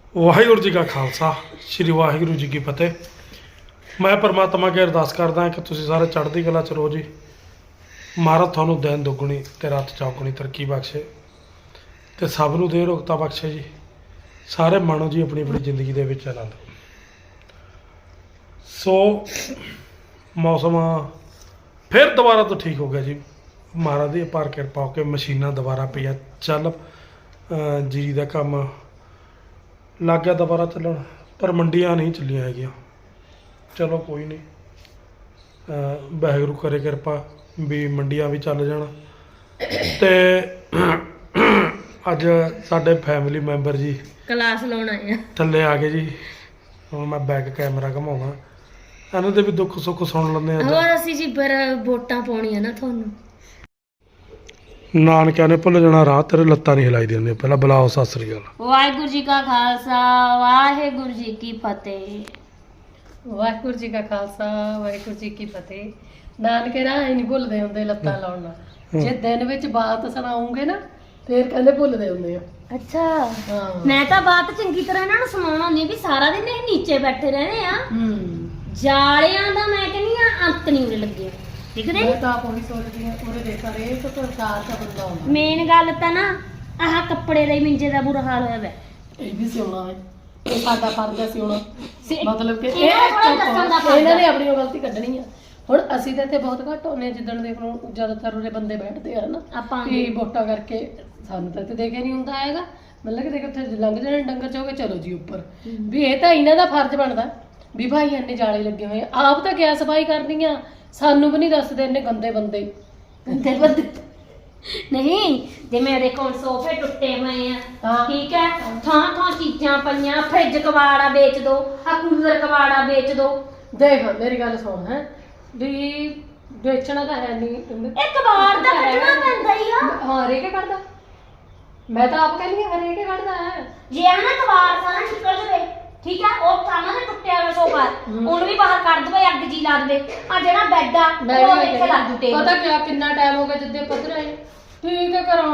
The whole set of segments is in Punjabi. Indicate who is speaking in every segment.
Speaker 1: ਵਾਹਿਗੁਰੂ ਜੀ ਕਾ ਖਾਲਸਾ ਸ੍ਰੀ ਵਾਹਿਗੁਰੂ ਜੀ ਕੀ ਫਤਿਹ। ਮੈਂ ਪਰਮਾਤਮਾ ਅੱਗੇ ਅਰਦਾਸ ਕਰਦਾ ਕਿ ਤੁਸੀਂ ਸਾਰੇ ਚੜ੍ਹਦੀ ਕਲਾ ਚ ਰਹੋ ਜੀ। ਮਹਾਰਾਜ ਤੁਹਾਨੂੰ ਦਿਨ ਦੁੱਗਣੀ ਤੇ ਰਾਤ ਚੌਗੁਣੀ ਤਰੱਕੀ ਬਖਸ਼ੇ ਤੇ ਸਭ ਨੂੰ ਦੇ ਰੋਗਤਾ ਬਖਸ਼ੇ ਜੀ। ਸਾਰੇ ਮਾਣੋ ਜੀ ਆਪਣੀ ਆਪਣੀ ਜ਼ਿੰਦਗੀ ਦੇ ਵਿੱਚ ਆਨੰਦ। ਸੋ ਮੌਸਮ ਫਿਰ ਦੁਬਾਰਾ ਤੋਂ ਠੀਕ ਹੋ ਗਿਆ ਜੀ। ਮਹਾਰਾਜ ਦੀ ਅਪਾਰ ਕਿਰਪਾ ਹੋ ਕੇ ਮਸ਼ੀਨਾਂ ਦੁਬਾਰਾ ਪਈਆਂ ਚੱਲ ਜੀਰੀ ਦਾ ਕੰਮ ਲੱਗ ਗਿਆ ਦੁਬਾਰਾ ਚੱਲਣ, ਪਰ ਮੰਡੀਆਂ ਨਹੀਂ ਚੱਲੀਆਂ ਹੈਗੀਆਂ। ਚਲੋ ਕੋਈ ਨਹੀਂ, ਵਾਹਿਗੁਰੂ ਕਰੇ ਕਿਰਪਾ ਵੀ ਮੰਡੀਆਂ ਵੀ ਚੱਲ ਜਾਣ। ਤੇ ਅੱਜ ਸਾਡੇ ਫੈਮਿਲੀ ਮੈਂਬਰ ਜੀ
Speaker 2: ਕਲਾਸ ਲਾਉਣ ਆਏ ਆ,
Speaker 1: ਥੱਲੇ ਆ ਗਏ ਜੀ। ਹੁਣ ਮੈਂ ਬੈਕ ਕੈਮਰਾ ਘਮਾਉਣਾ, ਇਹਨਾਂ ਦੇ ਵੀ ਦੁੱਖ ਸੁੱਖ ਸੁਣ ਲੈਂਦੇ ਆ।
Speaker 2: ਹੋਰ ਅਸੀਂ ਜੀ ਫਿਰ ਵੋਟਾਂ ਪਾਉਣੀਆਂ ਨਾ ਤੁਹਾਨੂੰ।
Speaker 1: ਨਾਨਕਿਆਂ ਨੇ ਭੁੱਲ ਜਾਣਾ ਰਾਹ, ਤੇਰੇ ਲੱਤਾਂ ਨਹੀਂ ਹਿਲਾਈ ਦਿੰਦੇ। ਪਹਿਲਾਂ ਬੁਲਾਓ ਸਤਿ ਸ੍ਰੀ ਅਕਾਲ।
Speaker 2: ਵਾਹਿਗੁਰੂ ਜੀ ਕਾ ਖਾਲਸਾ ਵਾਹਿਗੁਰੂ ਜੀ ਕੀ ਫਤਿਹ।
Speaker 3: ਵਾਹਿਗੁਰੂ ਜੀ ਕਾ ਖਾਲਸਾ ਵਾਹਿਗੁਰੂ ਜੀ ਕੀ ਫਤਿਹ। ਨਾਨਕੇ ਰਾਹ ਹੀ ਨਹੀਂ ਭੁੱਲਦੇ ਹੁੰਦੇ ਲੱਤਾਂ ਲਾਉਣ ਨਾਲ। ਜੇ ਦਿਨ ਵਿੱਚ ਬਾਤ ਸੁਣਾਉਂਗੇ ਨਾ ਫੇਰ ਕਹਿੰਦੇ ਭੁੱਲਦੇ ਹੁੰਦੇ ਆ।
Speaker 2: ਅੱਛਾ,
Speaker 3: ਹਾਂ
Speaker 2: ਮੈਂ ਤਾਂ ਬਾਤ ਚੰਗੀ ਤਰ੍ਹਾਂ ਇਹਨਾਂ ਨੂੰ ਸੁਣਾਉਣਾ ਹੁੰਦੀ ਵੀ ਸਾਰਾ ਦਿਨ ਇਹ ਨੀਚੇ ਬੈਠੇ ਰਹਿੰਦੇ ਆ। ਜਾਲਿਆਂ ਦਾ ਮੈਂ ਕਹਿੰਦੀ ਆ ਅੰਤ ਨਹੀਂ ਉਰੇ ਲੱਗਿਆ। ਦਿਖਦੇ
Speaker 3: ਮੈਂ ਤਾਂ ਆਪ ਉਹੀ ਸੋਚਦੀ ਆ ਪੂਰੇ ਦੇਖਾ ਰਹੇ ਤਾਂ ਸਰਕਾਰ ਦਾ ਬੰਦਾ ਹੁੰਦਾ।
Speaker 2: ਮੇਨ ਗੱਲ ਤਾਂ ਨਾ ਆਹ ਕੱਪੜੇ ਦੇ ਮਿੰਜੇ ਦਾ ਬੁਰਾ ਹਾਲ ਹੋਇਆ ਵਾ।
Speaker 3: ਇਹ ਵੀ ਸਿਉਣਾ ਹੈ, ਇਹ ਸਾਡਾ ਫਰਜ਼ ਹੈ ਸਿਉਣਾ। ਮਤਲਬ ਕਿ
Speaker 2: ਇਹਨਾਂ ਨੂੰ ਥੋੜ੍ਹਾ ਦੱਸਣ ਦਾ ਫਰਜ਼
Speaker 3: ਇਹਨਾਂ ਨੇ
Speaker 2: ਆ।
Speaker 3: ਆਪਣੀ ਗਲਤੀ ਕੱਢਣੀ ਆ। ਹੁਣ ਅਸੀਂ ਤਾਂ ਇੱਥੇ ਬਹੁਤ ਘੱਟ ਹੁੰਦੇ ਹਾਂ, ਜਿੱਦਣ ਦੇਖ ਲਓ ਜ਼ਿਆਦਾਤਰ ਉਰੇ ਬੰਦੇ ਬੈਠਦੇ ਆ ਨਾ
Speaker 2: ਆਪਾਂ
Speaker 3: ਵੀ ਵੋਟਾਂ ਕਰਕੇ। ਸਾਨੂੰ ਤਾਂ ਇੱਥੇ ਦੇਖਿਆ ਨਹੀਂ ਹੁੰਦਾ ਹੈਗਾ। ਮਤਲਬ ਕਿ ਦੇਖ ਉੱਥੇ ਲੰਘ ਜਾਣੇ ਡੰਗਰ ਚੋਗੇ ਚਲੋ ਜੀ ਉੱਪਰ। ਵੀ ਇਹ ਤਾਂ ਇਹਨਾਂ ਦਾ ਫਰਜ਼ ਬਣਦਾ ਵੀ ਭਾਈ ਇੰਨੇ ਜਾਲੇ ਲੱਗੇ ਹੋਏ ਆ। ਆਪ ਤਾਂ ਕਿਆ ਸਫਾਈ ਕਰਦੀਆਂ, ਸਾਨੂੰ ਵੀ ਨਹੀਂ ਦੱਸਦੇ ਇੰਨੇ ਗੰਦੇ ਬੰਦੇ।
Speaker 2: ਗੰਦੇ ਬੰਦੇ ਨਹੀਂ, ਜਿਵੇਂ ਦੇਖੋ ਸੋਫੇ ਟੁੱਟੇ ਹੋਏ ਆ,
Speaker 3: ਹਾਂ।
Speaker 2: ਠੀਕ ਹੈ, ਥਾਂ ਥਾਂ ਚੀਜ਼ਾਂ ਪਈਆਂ, ਫ੍ਰਿਜ ਕਬਾੜਾ ਵੇਚ ਦੋ, ਆ ਕੂਲਰ ਕਬਾੜਾ ਵੇਚ ਦੋ।
Speaker 3: ਦੇਖ ਮੇਰੀ ਗੱਲ ਸੁਣ ਹੈ ਵੀ ਵੇਚਣਾ ਤਾਂ ਹੈ ਨਹੀਂ।
Speaker 2: ਇਹ ਕਬਾੜ ਤਾਂ ਕੱਢਣਾ ਪੈਂਦਾ ਹੀ ਆ।
Speaker 3: ਹਾਂ ਹਰੇਕ ਕੱਢਦਾ। ਮੈਂ ਤਾਂ ਆਪ ਕਹਿੰਦੀ ਹਾਂ ਹਰੇਕ ਕੱਢਦਾ ਹੈ।
Speaker 2: ਜੇ ਆ ਨਾ ਕਬਾੜ ਸਾਰਾ ਨਿਕਲ ਜਵੇ, ਠੀਕ ਹੈ, ਉਹ ਥਾਂ ਤੇ ਟੁੱਟਿਆ ਹੋਇਆ ਸੋਫਾ ਉਹਨੂੰ ਵੀ ਬਾਹਰ ਕੱਢ ਦਵੇ, ਅੱਗ ਜੀ ਲਾ ਦੇਵੇ। ਆ ਜਿਹੜਾ ਬੈੱਡ ਆ ਉਹ ਇੱਥੇ ਲਾ ਦੂ ਟੇਬਲ।
Speaker 3: ਪਤਾ ਕਿਆ ਕਿੰਨਾ ਟਾਈਮ ਹੋ ਗਿਆ ਜਿੱਦੇ ਪੱਧਰ ਆਏ ਠੀਕ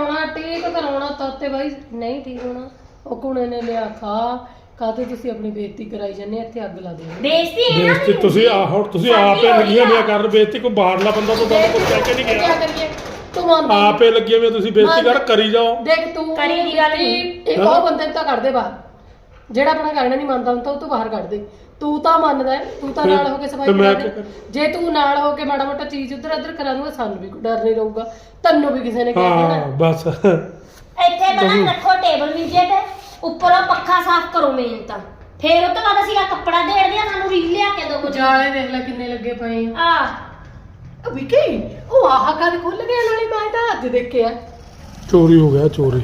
Speaker 3: ਕਰਾਉਣਾ ਤਾਂ ਤੇ ਬਾਈ ਨਹੀਂ ਠੀਕ ਹੋਣਾ। ਉਹ ਕੁੜੇ ਨੇ ਲਿਆ ਕਾਹਤੇ ਤੁਸੀਂ ਆਪਣੀ ਬੇਇੱਜ਼ਤੀ ਕਰਾਈ ਜਾਂਦੇ ਇੱਥੇ ਅੱਗ ਲਾ ਦੇ।
Speaker 2: ਬੇਇੱਜ਼ਤੀ ਇਹਨਾਂ
Speaker 1: ਬੇਇੱਜ਼ਤੀ
Speaker 2: ਦੀ
Speaker 1: ਤੁਸੀਂ ਹੁਣ ਤੁਸੀਂ ਆਪੇ ਲੱਗੀਆਂ ਹੋਈਆਂ ਕਰਨ। ਬੇਇੱਜ਼ਤੀ ਕੋਈ ਬਾਹਰਲਾ ਬੰਦਾ ਤਾਂ ਤੁਹਾਨੂੰ ਕੁਝ ਕਹਿ ਕੇ ਨਹੀਂ ਗਿਆ।
Speaker 3: ਕਰੀਏ ਤੂੰ ਮੰਨਦਾ
Speaker 1: ਆਪੇ ਲੱਗੀਆਂ ਹੋਈਆਂ, ਤੁਸੀਂ ਬੇਇੱਜ਼ਤੀ ਕਰੀ ਜਾਓ।
Speaker 3: ਦੇਖ ਤੂੰ
Speaker 2: ਕਰੀ ਦੀ ਗੱਲ ਨਹੀਂ।
Speaker 3: ਇੱਕ ਉਹ ਬੰਦੇ ਨੂੰ ਤਾਂ ਕੱਢ ਦੇ ਬਾਹਰ, ਜਿਹੜਾ ਆਪਣਾ ਕਹਿਣਾ ਨਹੀਂ ਮੰਨਦਾ ਹੁੰਦਾ ਉਹ ਤੋਂ ਬਾਹਰ ਕੱਢ ਦੇ। ਤੂੰ ਤਾਂ ਮੰਨਦਾ ਹੈ, ਤੂੰ ਤਾਂ ਨਾਲ ਹੋ ਕੇ ਸਫਾਈ ਕਰਾ ਦੇ। ਜੇ ਤੂੰ ਨਾਲ ਹੋ ਕੇ ਮਾੜਾ ਮੋਟਾ ਚੀਜ਼ ਉਧਰ ਇੱਧਰ ਕਰਾ ਦੂੰਗਾ, ਸਾਨੂੰ ਵੀ ਕੋਈ ਡਰ ਨਹੀਂ ਰਹੂਗਾ, ਤੈਨੂੰ ਵੀ ਕਿਸੇ ਨੇ ਕਹਿ
Speaker 1: ਹਾਂ
Speaker 3: ਦੇਣਾ।
Speaker 1: ਬਸ
Speaker 2: ਇੱਥੇ ਪਹਿਲਾਂ ਰੱਖੋ ਟੇਬਲ ਮਿੰਜੇ ਤੇ, ਉੱਪਰੋਂ ਪੱਖਾ ਸਾਫ਼ ਕਰੋ ਮੇਨ ਤਾਂ। ਫੇਰ ਉਹ ਤੋਂ ਬਾਅਦ ਅਸੀਂ ਆ ਕੱਪੜਾ ਦੇੜਦੇ ਆ, ਸਾਨੂੰ ਰੀਲ ਲਿਆ ਕੇ ਦੋ ਕੁਝ।
Speaker 3: ਜਾਲੇ ਦੇਖ ਲੈ ਕਿੰਨੇ ਲੱਗੇ ਪਏ ਆ।
Speaker 2: ਆ
Speaker 3: ਵਿਕੀ ਉਹ ਆਹ ਕਦ ਖੁੱਲ ਗਿਆ ਨਾਲੇ ਮੈਂ ਤਾਂ ਅੱਜ ਦੇਖਿਆ।
Speaker 1: ਚੋਰੀ ਹੋ ਗਿਆ, ਚੋਰੀ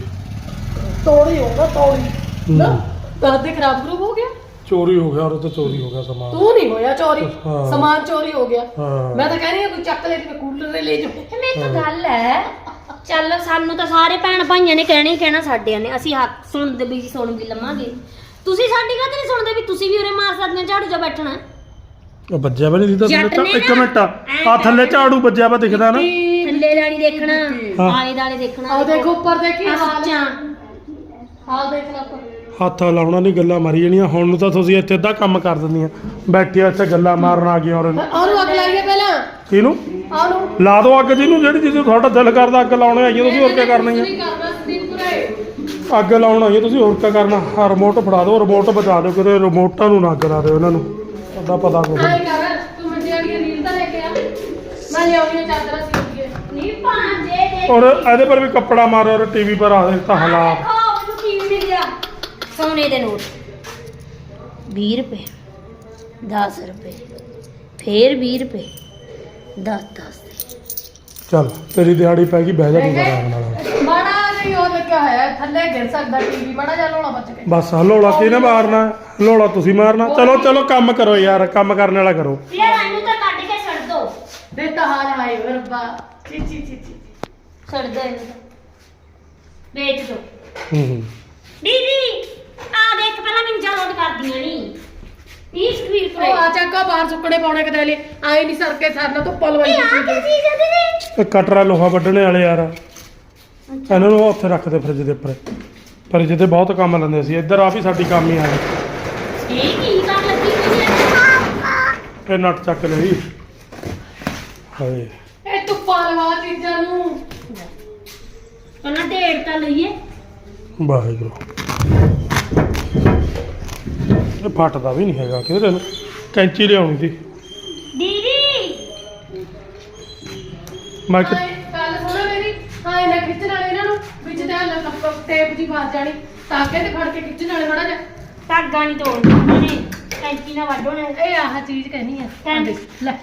Speaker 3: ਤੋੜੀ ਹੋਗਾ ਤੋੜੀ ਨਾ ਦਾਦੇ ਖਰਾਬ ਖਰੂਬ ਹੋ ਗਿਆ।
Speaker 1: ਚੋਰੀ ਹੋ ਗਿਆ, ਉਹ ਤਾਂ ਚੋਰੀ ਹੋ ਗਿਆ ਸਮਾਨ।
Speaker 3: ਤੂੰ ਨਹੀਂ ਹੋਇਆ ਚੋਰੀ,
Speaker 1: ਹਾਂ।
Speaker 3: ਸਮਾਨ ਚੋਰੀ ਹੋ ਗਿਆ।
Speaker 1: ਹਾਂ।
Speaker 3: ਮੈਂ ਤਾਂ ਕਹਿ ਰਹੀ ਹਾਂ ਕੋਈ ਚੱਕ ਲੈ ਜਿਵੇਂ ਕੂਲਰ ਲੈ ਜਾਓ।
Speaker 2: ਇਹ ਮੇਰੀ ਤਾਂ ਗੱਲ ਹੈ। ਚੱਲ ਸਾਨੂੰ ਤਾਂ ਸਾਰੇ ਭੈਣ ਭਾਈਆਂ ਨੇ ਕਹਿਣਾ ਹੀ ਕਹਿਣਾ, ਸਾਡਿਆਂ ਨੇ। ਅਸੀਂ ਹੱਕ ਸੁਣਦੇ ਵੀ ਸੁਣ ਵੀ ਲਵਾਂਗੇ। ਤੁਸੀਂ ਸਾਡੀ ਗੱਲ ਨਹੀਂ ਸੁਣਦੇ ਵੀ ਤੁਸੀਂ ਵੀ ਉਰੇ ਮਾਰ ਸਕਦੇ ਹੋ ਝਾੜੂ ਜਾ ਬੈਠਣਾ।
Speaker 1: ਉਹ ਵੱਜਿਆ ਵਾ ਨਹੀਂ ਦਿਖਦਾ
Speaker 2: ਜੱਟ
Speaker 1: ਥੱਲੇ?
Speaker 2: ਨੇ
Speaker 1: ਇੱਕ
Speaker 2: ਨਾ
Speaker 1: ਮਿੰਟ ਆ ਥੱਲੇ ਝਾੜੂ ਵੱਜਿਆ ਵਾ ਦਿਖਦਾ ਨਾ।
Speaker 2: ਥੱਲੇ ਦਾਣੀ ਦੇਖਣਾ,
Speaker 1: ਹਾਂ।
Speaker 2: ਆਲੇ ਦਾਲੇ ਦੇਖਣਾ।
Speaker 3: ਆਹ ਦੇਖੋ ਉੱਪਰ ਦੇਖੀ
Speaker 2: ਆਹ
Speaker 3: ਹਾਲ
Speaker 2: ਸੱਚਾਂ।
Speaker 3: ਹਾਲ ਦੇਖ ਲੈ ਉੱਪਰ।
Speaker 1: ਹੱਥ ਲਾਉਣਾ ਨਹੀਂ, ਗੱਲਾਂ ਮਾਰੀ ਜਾਣੀਆਂ। ਹੁਣ ਨੂੰ ਤਾਂ ਤੁਸੀਂ ਇੱਥੇ ਅੱਧਾ ਕੰਮ ਕਰ ਦਿੰਦੀਆਂ, ਬੈਠੀਆਂ ਇੱਥੇ ਗੱਲਾਂ ਮਾਰਨ ਆ ਗਈਆਂ। ਔਰ
Speaker 3: ਉਹਨੂੰ ਅੱਗ ਲਾਈਏ ਪਹਿਲਾਂ,
Speaker 1: ਕਿਹਨੂੰ
Speaker 3: ਉਹਨੂੰ
Speaker 1: ਲਾ ਦੋ ਅੱਗ? ਜਿਹਨੂੰ ਜਿਹੜੀ ਚੀਜ਼ ਤੁਹਾਡਾ ਦਿਲ ਕਰਦਾ ਅੱਗ ਲਾਉਣੇ ਆਈਆਂ ਤੁਸੀਂ, ਹੋਰ ਕੀ ਕਰਨੀ ਹੈ?
Speaker 3: ਨਹੀਂ ਕਰਨਾ ਸੰਦੀਪੁਰੇ।
Speaker 1: ਅੱਗ ਲਾਉਣ ਆਈਆਂ ਤੁਸੀਂ, ਹੋਰ ਕੀ ਕਰਨਾ? ਆਹ ਰਿਮੋਟ ਫੜਾ ਦਿਓ, ਰਿਮੋਟ ਬਚਾ ਦਿਓ, ਕਿਤੇ ਰਿਮੋਟਾਂ ਨੂੰ ਨਾ ਅੱਗ ਲਾ ਦਿਓ ਇਹਨਾਂ ਨੂੰ। ਉਹਦਾ ਪਤਾ ਕੁਛ
Speaker 3: ਆਏ ਕਰ ਤੂੰ ਮੰਜੇ ਵਾਲੀ ਰੀਲ ਤਾਂ ਲੈ ਕੇ ਆ, ਮੈਂ ਲਿਆਉਣੀ ਚਾਦਰਾਂ ਸੀ ਲਈਏ।
Speaker 2: ਨਹੀਂ ਭਾਂਜੇ ਦੇ
Speaker 1: ਔਰ ਇਹਦੇ ਪਰ ਵੀ ਕੱਪੜਾ ਮਾਰੋ, ਔਰ ਟੀਵੀ ਪਰ ਆ ਦੇ ਤਾਂ ਹਾਲਾਤ।
Speaker 2: ਦੇਖੋ ਮੈਨੂੰ ਕੀ ਮਿਲ ਗਿਆ। ਸੋਨੇ ਦੇ ਨੋਟ 20 ਰੁਪਏ, 10 ਰੁਪਏ, ਫੇਰ 20 ਰੁਪਏ, 10
Speaker 1: ਚੱਲ ਤੇਰੀ ਦਿਹਾੜੀ ਪੈ ਗਈ, ਬਹਿ ਜਾ ਤੂੰ ਆਰਾਮ ਨਾਲ।
Speaker 3: ਮਾੜਾ ਨਹੀਂ ਉਹ ਲੱਗਿਆ ਹੋਇਆ ਥੱਲੇ ਗਿਰ ਸਕਦਾ ਟੀਵੀ, ਮਾੜਾ ਜਿਹਾ ਲੋਲਾ ਬਚ ਕੇ।
Speaker 1: ਬਸ ਹਲੋਲਾ ਕਿਹਨੇ ਮਾਰਨਾ? ਹਲੋਲਾ ਤੁਸੀਂ ਮਾਰਨਾ। ਚਲੋ ਚਲੋ ਕੰਮ ਕਰੋ ਯਾਰ, ਕੰਮ ਕਰਨ ਵਾਲਾ ਕਰੋ।
Speaker 2: ਯਾਰ ਇਹਨੂੰ ਤਾਂ ਕੱਢ ਕੇ ਛੱਡ ਦੋ।
Speaker 3: ਦੇ ਤਾਂ ਹਾਲ ਆਏ ਰੱਬਾ। ਚੀ ਚੀ ਚੀ ਚੀ
Speaker 2: ਛੱਡ ਦੋ ਇਹਨੂੰ ਤਾਂ, ਵੇਚ ਦੋ।
Speaker 1: ਹੂੰ
Speaker 2: ਦੀਦੀ ਆ ਦੇਖ, ਪਹਿਲਾਂ ਮਿੰਜਾ ਲੋਡ ਕਰਦੀਆਂ ਨਹੀਂ 20 ਰੁਪਏ।
Speaker 3: ਉਹ ਆ ਚੱਕਾ ਬਾਹਰ ਸੁੱਕਣੇ ਪਾਉਣੇ ਕਿਤੇ ਲਈ ਆਏ ਨਹੀਂ ਸਰਕੇ ਸਰਨਾ ਤੋਂ ਪਲਵਾਈ।
Speaker 2: ਇਹ ਆ ਕੀ ਚੀਜ਼ ਹੈ ਦੀਦੀ?
Speaker 1: ਇਹ ਕਟਰਾ ਲੋਹਾ ਵੱਢਣੇ ਵਾਲੇ ਯਾਰ, ਇਹਨਾਂ ਨੂੰ ਉੱਥੇ ਰੱਖ ਦੇ ਫ੍ਰਿਜ ਦੇ ਉੱਪਰ। ਪਰ ਜਿਹਦੇ ਬਹੁਤ ਕੰਮ ਲੈਂਦੇ ਸੀ ਇੱਧਰ ਆ ਵੀ ਸਾਡੀ ਕੰਮ ਹੀ ਆ ਗਈ
Speaker 2: ਇਹ ਕੀ ਕਰ ਲੱਗੀ ਤੁਸੀਂ
Speaker 1: ਇਹ ਨੱਟ ਚੱਕ ਲਈ ਹਾਏ
Speaker 3: ਇਹ ਧੁੱਪਾਂ ਲਵਾ ਚੀਜ਼ਾਂ ਨੂੰ
Speaker 2: ਪਹਿਲਾਂ ਢੇੜ ਤਾਂ ਲਈਏ
Speaker 1: ਵਾਹਿਗੁਰੂ ਇਹ ਫਟਦਾ ਵੀ ਨਹੀਂ ਹੈਗਾ ਕਿਹਦੇ ਨੂੰ ਕੈਂਚੀ ਲਿਆਉਣੀ ਸੀ
Speaker 2: ਦੀਦੀ
Speaker 1: ਮੈਂ ਕਿ
Speaker 3: ਗੱਲ ਸੁਣੋ ਮੇਰੀ ਹਾਂ ਇਹਨਾਂ ਖਿੱਚਣ ਵਾਲੇ ਇਹਨਾਂ ਨੂੰ ਵਿੱਚ ਤੇ ਟੇਪ ਦੀ ਫਸ ਜਾਣੀ ਤਾਕੇ ਤੇ ਫੜ ਕੇ ਖਿੱਚਣ ਵਾਲੇ ਥੋੜਾ ਜਿਹਾ
Speaker 2: ਧਾਗਾ ਨਹੀਂ ਤੋੜਨਾ ਉਹਨਾਂ ਨੇ ਕੈਂਚੀ ਨਾਲ ਵੱਢੋ ਨੇ
Speaker 3: ਇਹ ਆਹ ਚੀਜ਼ ਕਹਿਣੀ ਆ
Speaker 2: ਕੈਂਚੀ।
Speaker 3: ਲੈ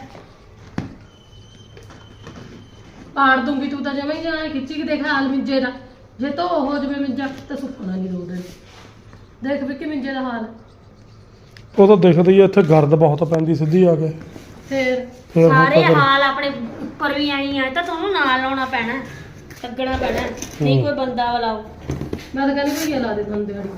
Speaker 3: ਪਾੜ ਦੂੰਗੀ ਤੂੰ ਤਾਂ ਜਮਾ ਹੀ ਜਾਣਾ ਖਿੱਚੀ ਕੇ ਦੇਖ ਹਾਲ ਮਿੰਜੇ ਦਾ ਜੇ ਤੋ ਹੋ ਜਵੇ ਮਿੰਜਾ ਤਾਂ ਸੁੱਕਣਾ ਨਹੀਂ ਰੋਡ ਦੇਖ ਵੀ ਕਿ ਮਿੰਜੇ ਦਾ ਹਾਲ
Speaker 1: ਉਹ ਤਾਂ ਦਿਖਦੀ ਆ ਇੱਥੇ ਗਰਦ ਬਹੁਤ ਪੈਂਦੀ ਸਿੱਧੀ ਆ ਕੇ
Speaker 3: ਫੇਰ
Speaker 1: ਫਿਰ ਹੁਣ
Speaker 2: ਸਾਰੇ
Speaker 1: ਤਾਂ
Speaker 2: ਹਾਲ ਆਪਣੇ ਉੱਪਰ ਵੀ ਆਈ ਆ ਤਾਂ ਤੁਹਾਨੂੰ ਨਾਲ ਲਾਉਣਾ ਪੈਣਾ ਲੱਗਣਾ ਪੈਣਾ ਨਹੀਂ ਕੋਈ ਬੰਦਾ ਬੁਲਾਓ
Speaker 3: ਮੈਂ ਤਾਂ ਕਹਿੰਦੀ ਭਈਆ ਲਾ ਦੇ ਤੁਹਾਨੂੰ ਦਿਹਾੜੀ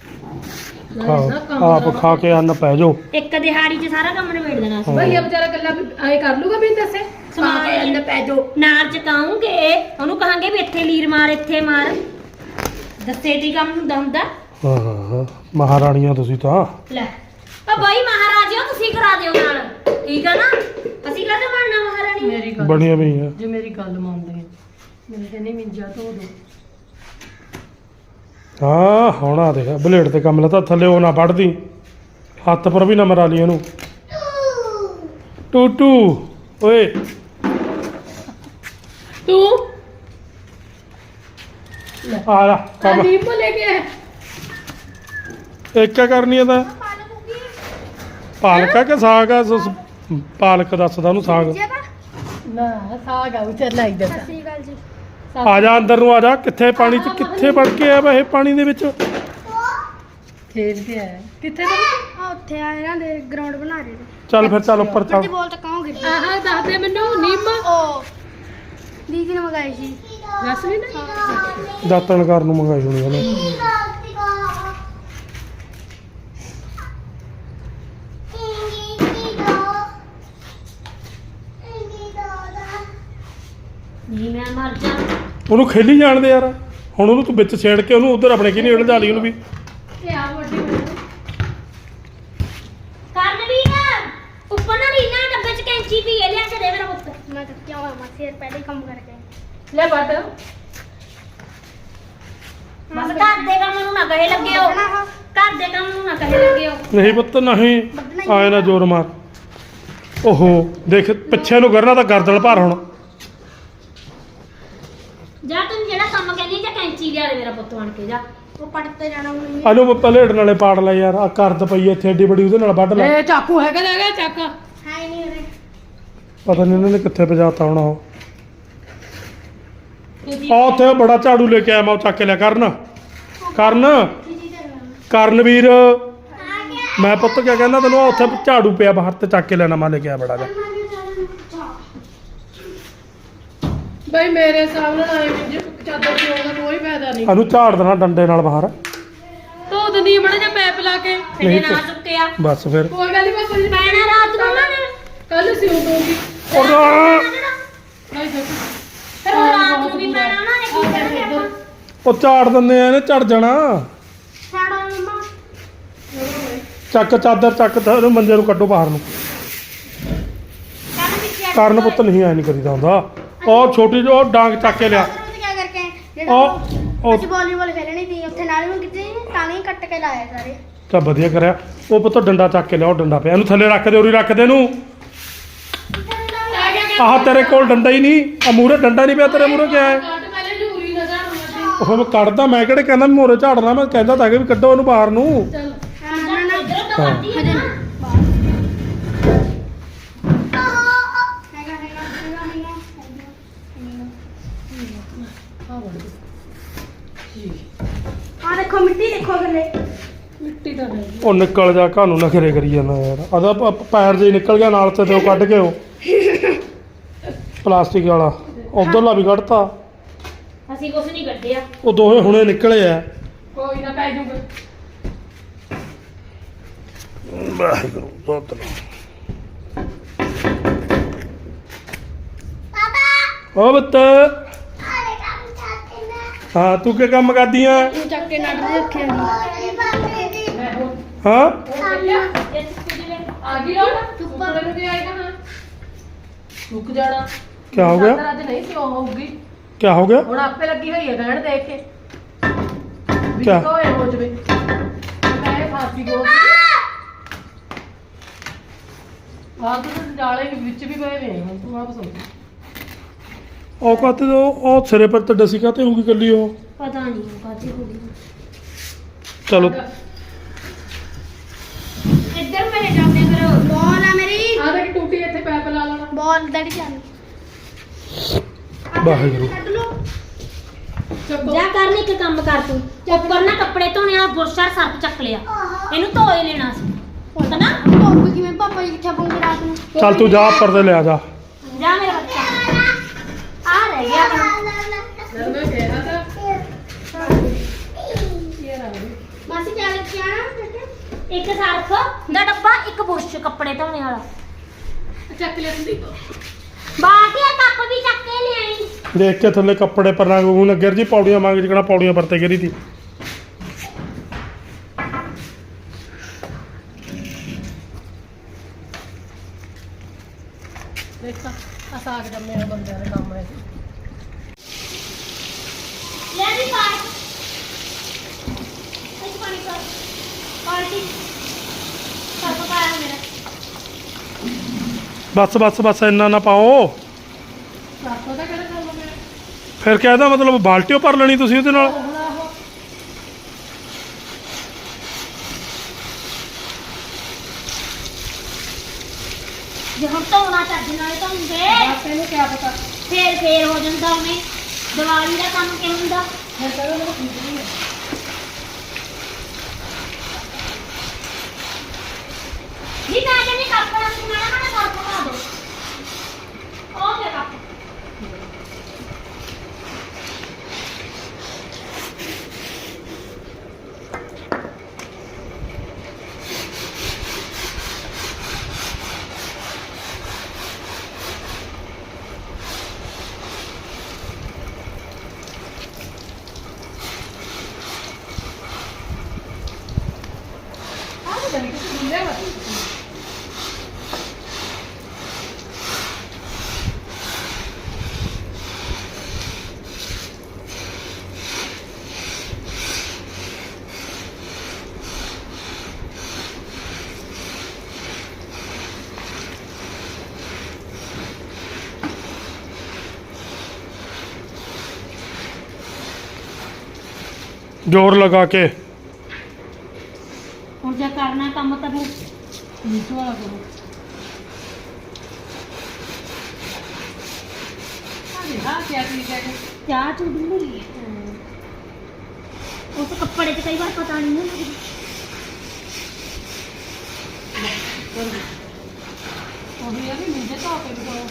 Speaker 1: ਆਪ ਖਾ ਕੇ ਅੰਨ ਪੈ ਜਾਓ
Speaker 2: ਇੱਕ ਦਿਹਾੜੀ 'ਚ ਸਾਰਾ ਕੰਮ ਨਿਬੇੜ ਦੇਣਾ ਸੀ
Speaker 3: ਭਈਆ ਵਿਚਾਰਾ ਕੱਲਾ ਐ ਕਰ ਲੂਗਾ ਮੈਨੂੰ ਦੱਸੇ
Speaker 2: ਸਮਾਨ ਅੰਦਰ ਪੈ ਜਾਓ ਨਾਲ ਚਕਾਉਂਗੇ ਉਹਨੂੰ ਕਹਾਂਗੇ ਵੀ ਇੱਥੇ ਲੀਰ ਮਾਰ ਇੱਥੇ ਮਾਰ ਦੱਸੇ ਦੀ ਕੰਮ ਹੁੰਦਾ ਹੁੰਦਾ
Speaker 1: ਹਾਂ ਹਾਂ ਹਾਂ ਮਹਾਰਾਣੀਆਂ ਤੁਸੀਂ ਤਾਂ
Speaker 2: ਲੈ ਆ ਬਾਈ ਮਹਾਰਾਜਿਓ ਤੁਸੀਂ ਕਰਾ ਦਿਓ ਨਾਲ ਠੀਕ ਆ ਨਾ ਅਸੀਂ ਕਾਹਦੇ ਬਣਨਾ ਮਹਾਰਾਣੀ
Speaker 3: ਮੇਰੀ ਗੱਲ
Speaker 1: ਬਣੀਆਂ ਵੀ ਆ
Speaker 3: ਜੇ ਮੇਰੀ ਗੱਲ ਮੰਨਦੇ ਆ ਮੇਰੇ ਕਹਿੰਦੇ ਮਿੰਜਾ ਧੋ ਦੋ
Speaker 1: ਹਾਂ ਹੁਣ ਆ ਦੇਖ ਬਲੇਡ ਤੇ ਕੰਮ ਲੱਤਾ ਥੱਲੇ ਉਹ ਨਾ ਵੱਢਦੀ ਹੱਥ ਪਰ ਵੀ ਨਾ ਮਰਾ ਲਈ ਇਹਨੂੰ ਟੂਟੂ ਓਏ
Speaker 3: ਤੂੰ
Speaker 1: ਆ ਜਾ ਕੰਮ
Speaker 3: ਨੀਂਬੂ ਲੈ ਕੇ ਆਇਆ।
Speaker 1: ਇੱਕ ਕਰਨੀ ਆ ਤਾਂ ਪਾਲਕ ਆ ਕਿ ਸਾਗ ਆ ਪਾਲਕ ਦੱਸਦਾ ਉਹਨੂੰ ਸਾਗ
Speaker 3: ਨਾ ਸਾਗ ਆ ਚੱਲ ਆਈ ਜਾਂਦਾ
Speaker 1: ਆ ਜਾ ਅੰਦਰ ਨੂੰ ਆ ਜਾ ਕਿੱਥੇ ਪਾਣੀ ਚ ਕਿੱਥੇ ਵੜ ਕੇ ਆ ਵਾ ਇਹ ਪਾਣੀ ਦੇ ਵਿੱਚ
Speaker 3: ਖੇਡ ਕੇ ਆਇਆ ਕਿੱਥੇ
Speaker 4: ਆ ਉੱਥੇ ਆ ਇਹਨਾਂ ਦੇ ਗਰਾਊਂਡ ਬਣਾ ਰਹੇ ਨੇ
Speaker 1: ਚੱਲ ਫਿਰ ਚੱਲ ਉੱਪਰ ਚੱਲ
Speaker 4: ਬੋਲ ਤਾਂ ਕਹੋਗੇ
Speaker 3: ਆਹ ਦੱਸ ਦੇ ਮੈਨੂੰ ਨਿੰਮ
Speaker 4: ਉਹ ਦੀਦੀ ਨੇ ਮਗਾਈ ਸੀ
Speaker 3: ਦੱਸ ਨਹੀਂ ਨਾ
Speaker 1: ਦਾਤਣ ਕਰਨ ਨੂੰ ਮੰਗਾਈ ਹੋਣੀ ਉਹਨੇ
Speaker 2: ਨਹੀਂ ਮੈਂ ਮਰ ਜਾ
Speaker 1: ਉਹਨੂੰ ਖੇਲੀ ਜਾਣ ਦੇ ਯਾਰ ਹੁਣ ਉਹਨੂੰ ਤੂੰ ਵਿੱਚ ਛੇੜ ਕੇ ਉਹਨੂੰ ਉਧਰ ਆਪਣੇ ਕੀ ਨਹੀਂ ਉਲਝਾ ਲਈ ਉਹਨੂੰ ਵੀ
Speaker 3: ਇਹ ਆ ਵੱਡੀ ਮੈਨੂੰ
Speaker 2: ਕਰਨ ਵੀ ਨਾ ਉੱਪਰ ਨਾ ਰੀਨਾ ਡੱਬੇ 'ਚ ਕੈਂਚੀ ਪੀ ਲਿਆ ਕੇ ਦੇ ਮੇਰਾ ਪੁੱਤ
Speaker 4: ਮੈਂ ਤਾਂ ਕਿਉਂ ਆਵਾਂ ਸਿਰ ਪਹਿਲੇ ਹੀ ਕੰਮ ਕਰਕੇ
Speaker 3: ਲੈ ਬੱਟ
Speaker 2: ਬਸ ਘਰ ਦੇ ਕੰਮ ਨੂੰ ਨਾ ਕਹੇ ਲੱਗੇ ਹੋ ਘਰ ਦੇ ਕੰਮ ਨੂੰ ਨਾ ਕਹੇ ਲੱਗੇ ਹੋ
Speaker 1: ਨਹੀਂ ਪੁੱਤ ਨਹੀਂ ਆਏ ਨਾ ਜ਼ੋਰ ਮਾਰ ਓਹੋ ਦੇਖ ਪਿੱਛੇ ਨੂੰ ਕਰਨਾ ਤਾਂ ਗਰਦਲ ਭਰ ਹੁਣ
Speaker 2: ਜਾ ਤੂੰ ਜਿਹੜਾ ਕੰਮ ਕਹਿੰਦੀ ਜਾਂ ਕੈਂਚੀ ਲਿਆ ਦੇ ਮੇਰਾ ਪੁੱਤ ਬਣ ਕੇ ਜਾ
Speaker 4: ਉਹ ਪੜ ਤੇ ਜਾਣਾ ਹੁਣ
Speaker 1: ਆਨੂੰ ਪਲੇਟ ਨਾਲੇ ਪਾੜ ਲੈ ਯਾਰ ਆ ਕਰਦ ਪਈ ਇੱਥੇ ਏਡੀ ਬੜੀ ਉਹਦੇ ਨਾਲ ਵੱਢ ਲੈ
Speaker 3: ਇਹ ਚਾਕੂ ਹੈਗਾ ਹੈਗਾ ਚਾਕਾ
Speaker 4: ਹੈ ਹੀ ਨਹੀਂ ਉਰੇ
Speaker 1: ਪਤਾ ਨਹੀਂ ਇਹਨਾਂ ਨੇ ਕਿੱਥੇ ਪਜਾਤਾ ਹੋਣਾ ਉਹ ਆ ਉੱਥੇ ਬੜਾ ਝਾੜੂ ਲੈ ਕੇ ਆਇਆ ਮੈਂ ਉਹ ਚੱਕ ਕੇ ਲਿਆ ਕਰਨ ਕਰਨਵੀਰ ਮੈਂ ਪੁੱਤ ਕਿਆ ਕਹਿੰਦਾ ਤੈਨੂੰ ਆਹ ਉੱਥੇ ਝਾੜੂ ਪਿਆ ਬਾਹਰ ਤੇ ਚੱਕ ਕੇ ਲੈਣਾ ਮੈਂ ਲੈ ਕੇ ਆਇਆ ਬੜਾ ਜਿਹਾ
Speaker 3: ਬਈ ਮੇਰੇ ਹਿਸਾਬ ਨਾਲ ਆਏ ਜੇ ਚਾਦਰ ਪਿਓ ਦਾ ਕੋਈ ਫਾਇਦਾ ਨਹੀਂ
Speaker 1: ਇਹਨੂੰ ਝਾੜ ਦੇਣਾ ਡੰਡੇ ਨਾਲ ਬਾਹਰ
Speaker 3: ਧੋ ਦਨੀ ਮੜਾ ਜਿਹਾ ਪੈਪ ਲਾ ਕੇ
Speaker 2: ਫਿਰ
Speaker 1: ਨਹੀਂ
Speaker 2: ਨਾ ਚੁੱਕਿਆ
Speaker 1: ਬਸ ਫਿਰ
Speaker 3: ਕੋਈ ਗੱਲ ਨਹੀਂ ਬਾਪੂ ਜੀ
Speaker 2: ਪੈਣਾ ਰਾਤ ਨੂੰ ਨਾ
Speaker 3: ਕੱਲ ਸਿਉਂ ਦੂੰਗੀ ਨਹੀਂ ਦੇਖ
Speaker 2: ਫਿਰ ਉਹ ਰਾਤ ਨੂੰ ਵੀ ਪੈਣਾ ਨਾ ਇਹ ਕੀ ਕਰਾਂਗੇ ਆਪਾਂ
Speaker 1: ਉਹ ਝਾੜ ਦਿੰਦੇ ਆ ਇਹਨੇ ਝੜ ਜਾਣਾ
Speaker 4: ਸਾਡਾ ਮੰਮਾ
Speaker 1: ਚੱਕ ਚਾਦਰ ਚੱਕ ਤਾਂ ਇਹਨੂੰ ਮੰਜੇ ਨੂੰ ਕੱਢੋ ਬਾਹਰ ਨੂੰ
Speaker 2: ਕਰਨ ਪਿੱਛੇ
Speaker 1: ਕਰਨ ਪੁੱਤ ਨਹੀਂ ਐ ਨਹੀਂ ਕਰੀਦਾ ਹੁੰਦਾ ਉਹ ਛੋਟੀ ਜਿਹੀ ਉਹ ਡਾਂਗ ਚੱਕ ਕੇ ਲਿਆ
Speaker 4: ਕੀ ਕਰਕੇ ਜਿਹੜਾ
Speaker 1: ਉਹ
Speaker 4: ਅਸੀਂ ਵਾਲੀਬਾਲ ਖੇਲਣੀ ਸੀ ਉੱਥੇ ਨਾਲ ਨੂੰ ਕਿਤੇ ਟਾਂਗੇ ਕੱਟ ਕੇ ਲਾਏ ਸਾਰੇ
Speaker 1: ਤਾਂ ਵਧੀਆ ਕਰਿਆ ਉਹ ਪੁੱਤ ਡੰਡਾ ਚੱਕ ਕੇ ਲਿਆ ਉਹ ਡੰਡਾ ਪਿਆ ਇਹਨੂੰ ਥੱਲੇ ਰੱਖ ਦੇ ਉਰੀ ਰੱਖ ਦੇ ਇਹਨੂੰ ਆਹ ਤੇਰੇ ਕੋਲ ਡੰਡਾ ਹੀ ਨਹੀਂ ਆ ਮੂਰੇ ਡੰਡਾ ਨਹੀਂ ਪਿਆ ਤੇਰੇ ਮੂਰੇ ਕਿਆ ਹੈ
Speaker 3: ਕੱਟ ਪਹਿਲੇ ਝੂਰੀ ਨਾ ਝਾੜੂ ਲੱਗੀ
Speaker 1: ਉਹ ਮੈਂ ਕੱਢਦਾ ਮੈਂ ਕਿਹੜੇ ਕਹਿੰਦਾ ਮੋਰੇ ਝਾੜਨਾ ਮੈਂ ਕਹਿੰਦਾ ਤਾਂ ਕਿ ਵੀ ਕੱਢੋ ਉਹਨੂੰ ਬਾਹਰ ਨੂੰ
Speaker 3: ਚੱਲ
Speaker 2: ਇਧਰੋਂ ਤਾਂ ਵੱਧਦੀ ਹੈ ਨਾ
Speaker 3: ਆ ਵੜ
Speaker 4: ਆ ਦੇਖੋ ਮਿੱਟੀ ਦੇਖੋ ਥੱਲੇ
Speaker 3: ਮਿੱਟੀ ਤਾਂ ਹੈ
Speaker 1: ਉਹ ਨਿਕਲ ਜਾ ਘਾਨੂੰ ਨਖਰੇ ਕਰੀ ਜਾਂਦਾ ਯਾਰ ਆਦਾ ਪੈਰ ਜੇ ਨਿਕਲ ਗਿਆ ਨਾਲ ਤੇ ਉਹ ਕੱਢ ਕੇ ਉਹ ਪਲਾਸਟਿਕ ਵਾਲਾ ਉਧਰਲਾ ਵੀ ਕੱਢਤਾ
Speaker 2: ਅਸੀਂ ਕੁਝ ਨਹੀਂ ਕੱਢਿਆ
Speaker 1: ਉਹ ਦੋਹੇ ਹੁਣੇ ਨਿਕਲੇ ਆ
Speaker 3: ਕੋਈ ਨਾ ਪੈ ਜੂਗਾ
Speaker 1: ਵਾਹਿਗੁਰੂ ਸਤਿ
Speaker 4: ਪਾਪਾ
Speaker 1: ਉਹ ਬੱਤ
Speaker 4: ਆਲੇ ਕੰਮ ਚਾਹਤੇ ਨਾ
Speaker 1: ਹਾਂ ਤੂੰ ਕੀ ਕੰਮ ਕਰਦੀ ਆ
Speaker 4: ਤੂੰ ਚੱਕ ਕੇ ਨਟ ਦੇ ਰੱਖਿਆ
Speaker 1: ਹਾਂ
Speaker 3: ਆ ਗਈ ਲੋਟ ਉੱਪਰ ਨੂੰ ਵੀ ਆਏਗਾ ਹਾਂ ਮੁੱਕ ਜਾਣਾ
Speaker 1: ਕੀ ਹੋ ਗਿਆ
Speaker 3: ਅੱਜ ਨਹੀਂ ਸੀ ਉਹ ਹੋਊਗੀ
Speaker 1: ਕੀ ਹੋ ਗਿਆ
Speaker 3: ਹੁਣ ਆਪੇ ਲੱਗੀ ਹੋਈ ਹੈ ਗਹਿਣ ਦੇਖ ਕੇ ਵੀ
Speaker 1: ਕਿਆ?
Speaker 3: ਹੋਏ ਹੋ ਜਵੇ ਮੈਂ ਇਹ ਫਾਸੀ ਗੋ ਆਹ ਤਾਂ ਜਾਲੇ ਵਿੱਚ ਵੀ ਪਏ ਨੇ ਹੁਣ ਤੂੰ ਆਪ ਸੋਚ
Speaker 1: ਉਹ ਕਾਤੇ ਉਹ ਸਿਰੇ ਪਰ ਤੇ ਡਸੀ ਕਾਤੇ ਹੋਊਗੀ ਕੱਲੀ ਉਹ
Speaker 2: ਪਤਾ ਨਹੀਂ ਕਾਹਦੀ ਹੋ ਗਈ
Speaker 1: ਚਲੋ
Speaker 2: ਇੱਧਰ ਮੇਰੇ ਜਾਂਦੇ ਫਿਰ
Speaker 4: ਬੋਲ ਆ ਮੇਰੀ
Speaker 3: ਆਹ ਦੇਖ ਟੂਟੀ ਇੱਥੇ ਪੈਪ ਲਾ ਲੈਣਾ
Speaker 4: ਬੋਲ ਦੜੀ ਚੱਲ
Speaker 1: ਵਾਹਿਗੁਰੂ
Speaker 4: ਕੱਢ ਲੋ
Speaker 3: ਚੱਕੋ
Speaker 2: ਜਾ ਕਰਨ ਇੱਕ ਕੰਮ ਕਰ ਤੂੰ ਉੱਪਰ ਨਾ ਕੱਪੜੇ ਧੋਣੇ ਵਾਲਾ ਬੁਰਸ਼ਾ ਸਰਫ ਚੱਕ ਲਿਆ ਇਹਨੂੰ ਧੋਏ ਲੈਣਾ ਸੀ ਪਤਾ ਨਾ
Speaker 4: ਧੁੱਪ ਕਿਵੇਂ ਪਾਪਾ ਜੀ ਕਿੱਥੇ ਪਾਉਂਗੇ ਰਾਤ ਨੂੰ
Speaker 1: ਚੱਲ ਤੂੰ ਜਾ ਉੱਪਰ ਤੇ ਲਿਆ ਜਾ
Speaker 2: ਜਾ ਮੇਰਾ ਬੱਚਾ ਆ ਰਹਿ ਗਿਆ ਆਪਣਾ
Speaker 3: ਜਦ ਮੈਂ ਕਿਹਾ ਤਾਂ ਇਹ ਨਾ
Speaker 4: ਮਾਸੀ ਚੱਲ ਕੇ ਆਣਾ
Speaker 2: ਇੱਕ ਸਰਫ ਦਾ ਡੱਬਾ ਇੱਕ ਬੁਰਸ਼ ਕੱਪੜੇ ਧੋਣੇ ਵਾਲਾ
Speaker 3: ਚੱਕ ਲਿਆ ਸੰਦੀਪ
Speaker 2: ਬਾਕੀ ਇਹ ਕੱਪ ਵੀ ਚੱਕ ਕੇ ਲਿਆਈ
Speaker 1: ਦੇਖ ਕੇ ਥੱਲੇ ਕੱਪੜੇ ਪਰ ਰੰਗ ਨੂੰ ਗਿਰ ਜੀ ਪੌੜੀਆਂ ਮੰਗ ਜਿਕਣਾ ਪੌੜੀਆਂ ਪਰਤੇ ਗਿਰੀ ਤੀ
Speaker 3: ਦੇਖ ਆ ਸਾਗ ਜੰਮੇ ਆ ਬੰਦਿਆਂ ਦੇ ਕੰਮ ਹੈ
Speaker 2: ਲੈ ਵੀ ਪਾਣੀ ਇਸ ਪਾਣੀ ਕਰ ਪਾਣੀ ਸਰਫ ਪਾਇਆ ਮੇਰਾ
Speaker 1: ਬਸ ਇੰਨਾ ਨਾ ਪਾਓ
Speaker 3: ਸਾਕੋ ਦਾ ਕਿਹੜਾ ਕੰਮ ਹੈ
Speaker 1: ਫਿਰ ਕਿਆ ਇਹਦਾ ਮਤਲਬ ਬਾਲਟੀਓ ਭਰ ਲੈਣੀ ਤੁਸੀਂ ਉਹਦੇ ਨਾਲ
Speaker 3: ਹੁਣ ਆਹੋ
Speaker 2: ਜੇ ਹੁਣ ਧੋਣਾ ਚੱਜ ਨਾਲ ਧੋਂਦੇ
Speaker 3: ਬਸ ਇਹਨੂੰ ਕਿਆ ਪਤਾ
Speaker 2: ਫੇਰ ਹੋ ਜਾਂਦਾ ਉਹਨੇ ਦੀਵਾਲੀ ਦਾ ਕੰਮ ਕਿਉਂ ਹੁੰਦਾ
Speaker 3: ਫਿਰ ਤਾਂ ਉਹਨੂੰ ਠੀਕ ਨਹੀਂ ਹੈ
Speaker 2: ਜੀ ਮੈਂ ਕਹਿੰਦੀ ਕੱਪ ਨਾਲ ਮਾੜਾ ਮਾੜਾ ਸਰਫ ਪਾ ਦੋ ਉਹ ਤੇ ਕੱਪ
Speaker 3: ਆਹ ਤਾਂ ਨਹੀਂ ਕੁਝ ਮਿਲਿਆ ਵਾ
Speaker 1: ਜ਼ੋਰ ਲਗਾ ਕੇ
Speaker 2: ਹੁਣ ਜੇ ਕਰਨਾ ਕੰਮ ਤਾਂ ਫਿਰ
Speaker 3: ਨੀਚੇ ਵਾਲਾ ਕਰੋ ਹਾਂ ਕੀ ਚੀਜ਼ ਹੈ
Speaker 2: ਚਾਹ ਚੂਹ ਡੁੱਲੀ ਉਸ ਕੱਪੜੇ 'ਚ ਕਈ ਵਾਰ ਪਤਾ ਨਹੀਂ ਹੁੰਦਾ
Speaker 3: ਉਹ ਵੀ ਆ ਵੀ ਮੁੰਡੇ ਧੋ ਕੇ ਦਿਖਾਓ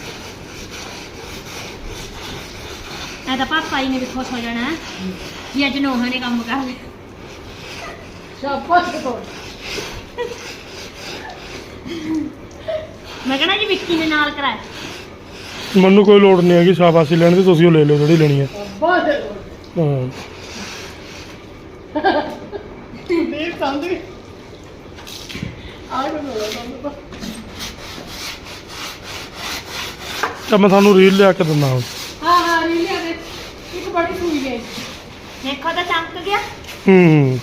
Speaker 2: ਐ ਤਾਂ ਪਾਪਾ ਜੀ ਨੇ ਵੀ ਖੁਸ਼ ਹੋ ਜਾਣਾ ਕਿ ਅੱਜ ਨੋਹਾਂ ਨੇ ਕੰਮ ਕਰ ਲਿਆ
Speaker 3: ਸ਼ਾਬਾਸ਼ ਤੋਂ
Speaker 2: ਮੈਂ ਕਹਣਾ ਜੀ ਵਿੱਕੀ ਨੇ ਨਾਲ ਕਰਾਇਆ
Speaker 1: ਮੈਨੂੰ ਕੋਈ ਲੋੜ ਨਹੀਂ ਹੈਗੀ ਸ਼ਾਬਾਸ਼ੀ ਲੈਣ ਦੀ ਤੁਸੀਂ ਉਹ ਲੈ ਲਓ ਜਿਹੜੀ ਲੈਣੀ ਹੈ
Speaker 3: ਸ਼ਾਬਾਸ਼
Speaker 1: ਹਾਂ
Speaker 3: ਨਹੀਂ ਸੰਦੀ ਆ ਗਏ
Speaker 1: ਤਾਂ ਮੈਂ ਤੁਹਾਨੂੰ ਰੀਲ ਲਿਆ ਕੇ ਦਿੰਦਾ ਹੁਣ
Speaker 3: ਹਾਂ ਰੀਲ ਆ ਦੇ ਇੱਕ ਬੜੀ ਸੂਈ ਹੈ
Speaker 2: ਦੇਖੋ ਤਾਂ ਚਮਕ ਗਿਆ
Speaker 1: ਹੂੰ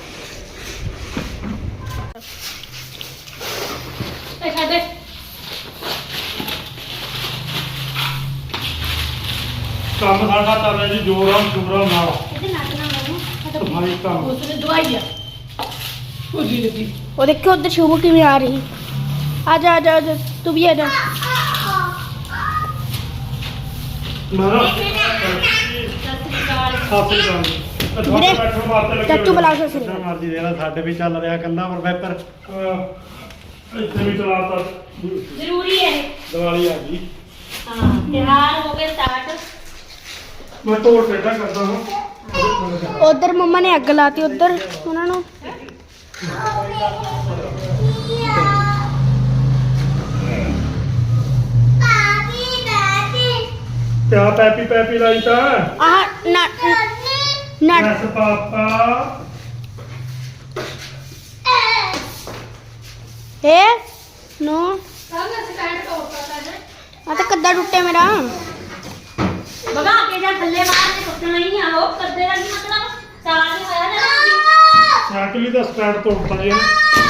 Speaker 3: ਇਹ ਸਾਡੇ
Speaker 1: ਕੰਮ ਸਾਡਾ ਚੱਲ ਰਿਹਾ ਜੀ ਜੋਰਾਂ ਸ਼ੋਰਾਂ ਨਾਲ
Speaker 2: ਇਹਦੇ ਨੱਕ ਨਾ ਮਾਰੂ
Speaker 1: ਸਫਾਈ ਕੰਮ
Speaker 3: ਉਸਨੇ ਦਵਾਈ ਆ ਭੁੱਜੀ ਲੱਗੀ
Speaker 4: ਉਹ ਦੇਖੋ ਉਧਰ ਸ਼ੁਭ ਕਿਵੇਂ ਆ ਰਹੀ ਆ ਜਾ ਤੂੰ ਵੀ ਆ ਜਾ
Speaker 1: ਮਾਰਾ
Speaker 4: ਵੀਰੇ, ਚਾਚੂ ਬੁਲਾ ਕੇ ਸੀ
Speaker 5: ਮਰਜੀ ਦੇ ਨਾਲ ਸਾਡੇ ਵੀ ਚੱਲ ਰਿਹਾ ਕੱਲਾ ਪਰ ਵੈਪਰ
Speaker 1: ਇੱਥੇ ਵੀ ਚਲਾਤਾ
Speaker 2: ਜ਼ਰੂਰੀ ਹੈ ਇਹ।
Speaker 1: ਦੀਵਾਲੀ ਆ ਗਈ
Speaker 2: ਹਾਂ ਤਿਉਹਾਰ ਹੋ ਗਏ ਸਟਾਰਟ
Speaker 1: ਮੈਂ ਤੋੜ ਟੇਢਾ ਕਰਦਾ ਹਾਂ
Speaker 4: ਉਧਰ ਮੰਮਾ ਨੇ ਅੱਗ ਲਾਤੀ ਉਧਰ ਉਹਨਾਂ ਨੂੰ
Speaker 1: ਕਿਆ ਪੈਪੀ ਲਾਈ ਤਾਂ
Speaker 4: ਆਹ ਨਟ
Speaker 1: ਯੈਸ ਪਾਪਾ
Speaker 4: ਏ ਨੋ
Speaker 3: ਕੱਲ ਸਟੈਂਡ ਤੋੜਤਾ ਹੈ
Speaker 4: ਆ ਤਾਂ ਕੱਦਾ ਟੁੱਟਿਆ ਮੇਰਾ
Speaker 2: ਬਗਾ ਕੇ ਜਾਂ ਥੱਲੇ ਬਾਹਰ ਤੇ ਟੁੱਟਣਾ ਹੀ ਆ ਉਹ ਕਰਦੇ ਦਾ ਕੀ ਮਤਲਬ ਸਾਲ ਨਹੀਂ ਹੋਇਆ ਨਾ
Speaker 1: ਸਾਈਕਲ ਦਾ ਸਟੈਂਡ ਤੋੜਤਾ ਜੀ ਇਹਨੇ।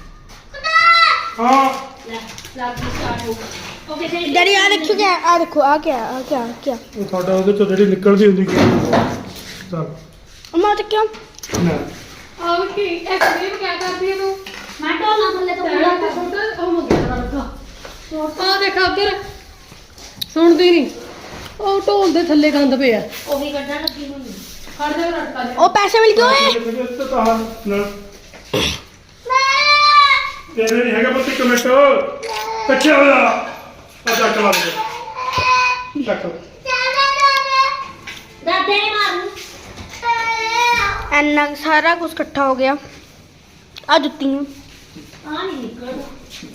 Speaker 1: ਹਾਂ
Speaker 2: ਲੈ ਲੱਗ ਗਈ ਸਟਾਰਟ ਹੋ ਗਈ ਓਕੇ ਜੀ
Speaker 4: ਡੈਡੀ ਆ ਦੇਖੋ ਕਿਆ ਆ ਦੇਖੋ ਆ ਕਿਆ
Speaker 1: ਉਹ ਤੁਹਾਡਾ ਉਹਦੇ ਚੋਂ ਜਿਹੜੀ ਨਿਕਲਦੀ ਹੁੰਦੀ ਚੱਲ
Speaker 4: ਅਮਾ ਤੇ ਕਿਉਂ
Speaker 1: ਨਾ
Speaker 3: ਆਹ ਕੀ ਐਕਸਟ੍ਰੀਮ ਕਿਆ ਕਰਦੀ ਹੈ ਤੂੰ
Speaker 2: ਮੈਂ ਢੋਲਣਾ ਥੱਲੇ ਤੋਂ
Speaker 3: ਤੇਰਾ ਤਾਂ ਛੋਟਾ ਉਹ ਮੁੰਡੇ ਦਾ ਲੱਗਾ ਆ ਦੇਖ ਉੱਧਰ ਸੁਣਦੀ ਨਹੀਂ ਉਹ ਢੋਲ ਦੇ ਥੱਲੇ ਗੰਦ ਪਿਆ
Speaker 2: ਉਹ ਵੀ ਕੱਢਣ ਲੱਗੀ ਹੋਈ
Speaker 3: ਖੜ ਜਾ ਰਟਕਾ ਦੇ
Speaker 4: ਉਹ ਪੈਸੇ ਮਿਲ ਗਏ ਓਏ
Speaker 1: ਇੱਥੇ ਤਾਂ ਨਾ ਤੇਰੇ ਨਹੀਂ ਹੈਗਾ ਪੁੱਤ ਇੱਕ ਮਿੰਟ ਪਿੱਛੇ ਹੋ ਜਾ ਆ ਚੱਕ ਲਾ ਦੇ ਚੱਕ
Speaker 2: ਦਾਦੇ ਨੇ ਮਾਰੂ
Speaker 4: ਐਨਾ ਕੁ ਸਾਰਾ ਕੁਝ ਇਕੱਠਾ ਹੋ ਗਿਆ ਆ ਜੁੱਤੀਆਂ
Speaker 2: ਆ ਨਹੀਂ ਨਿਕਲਦਾ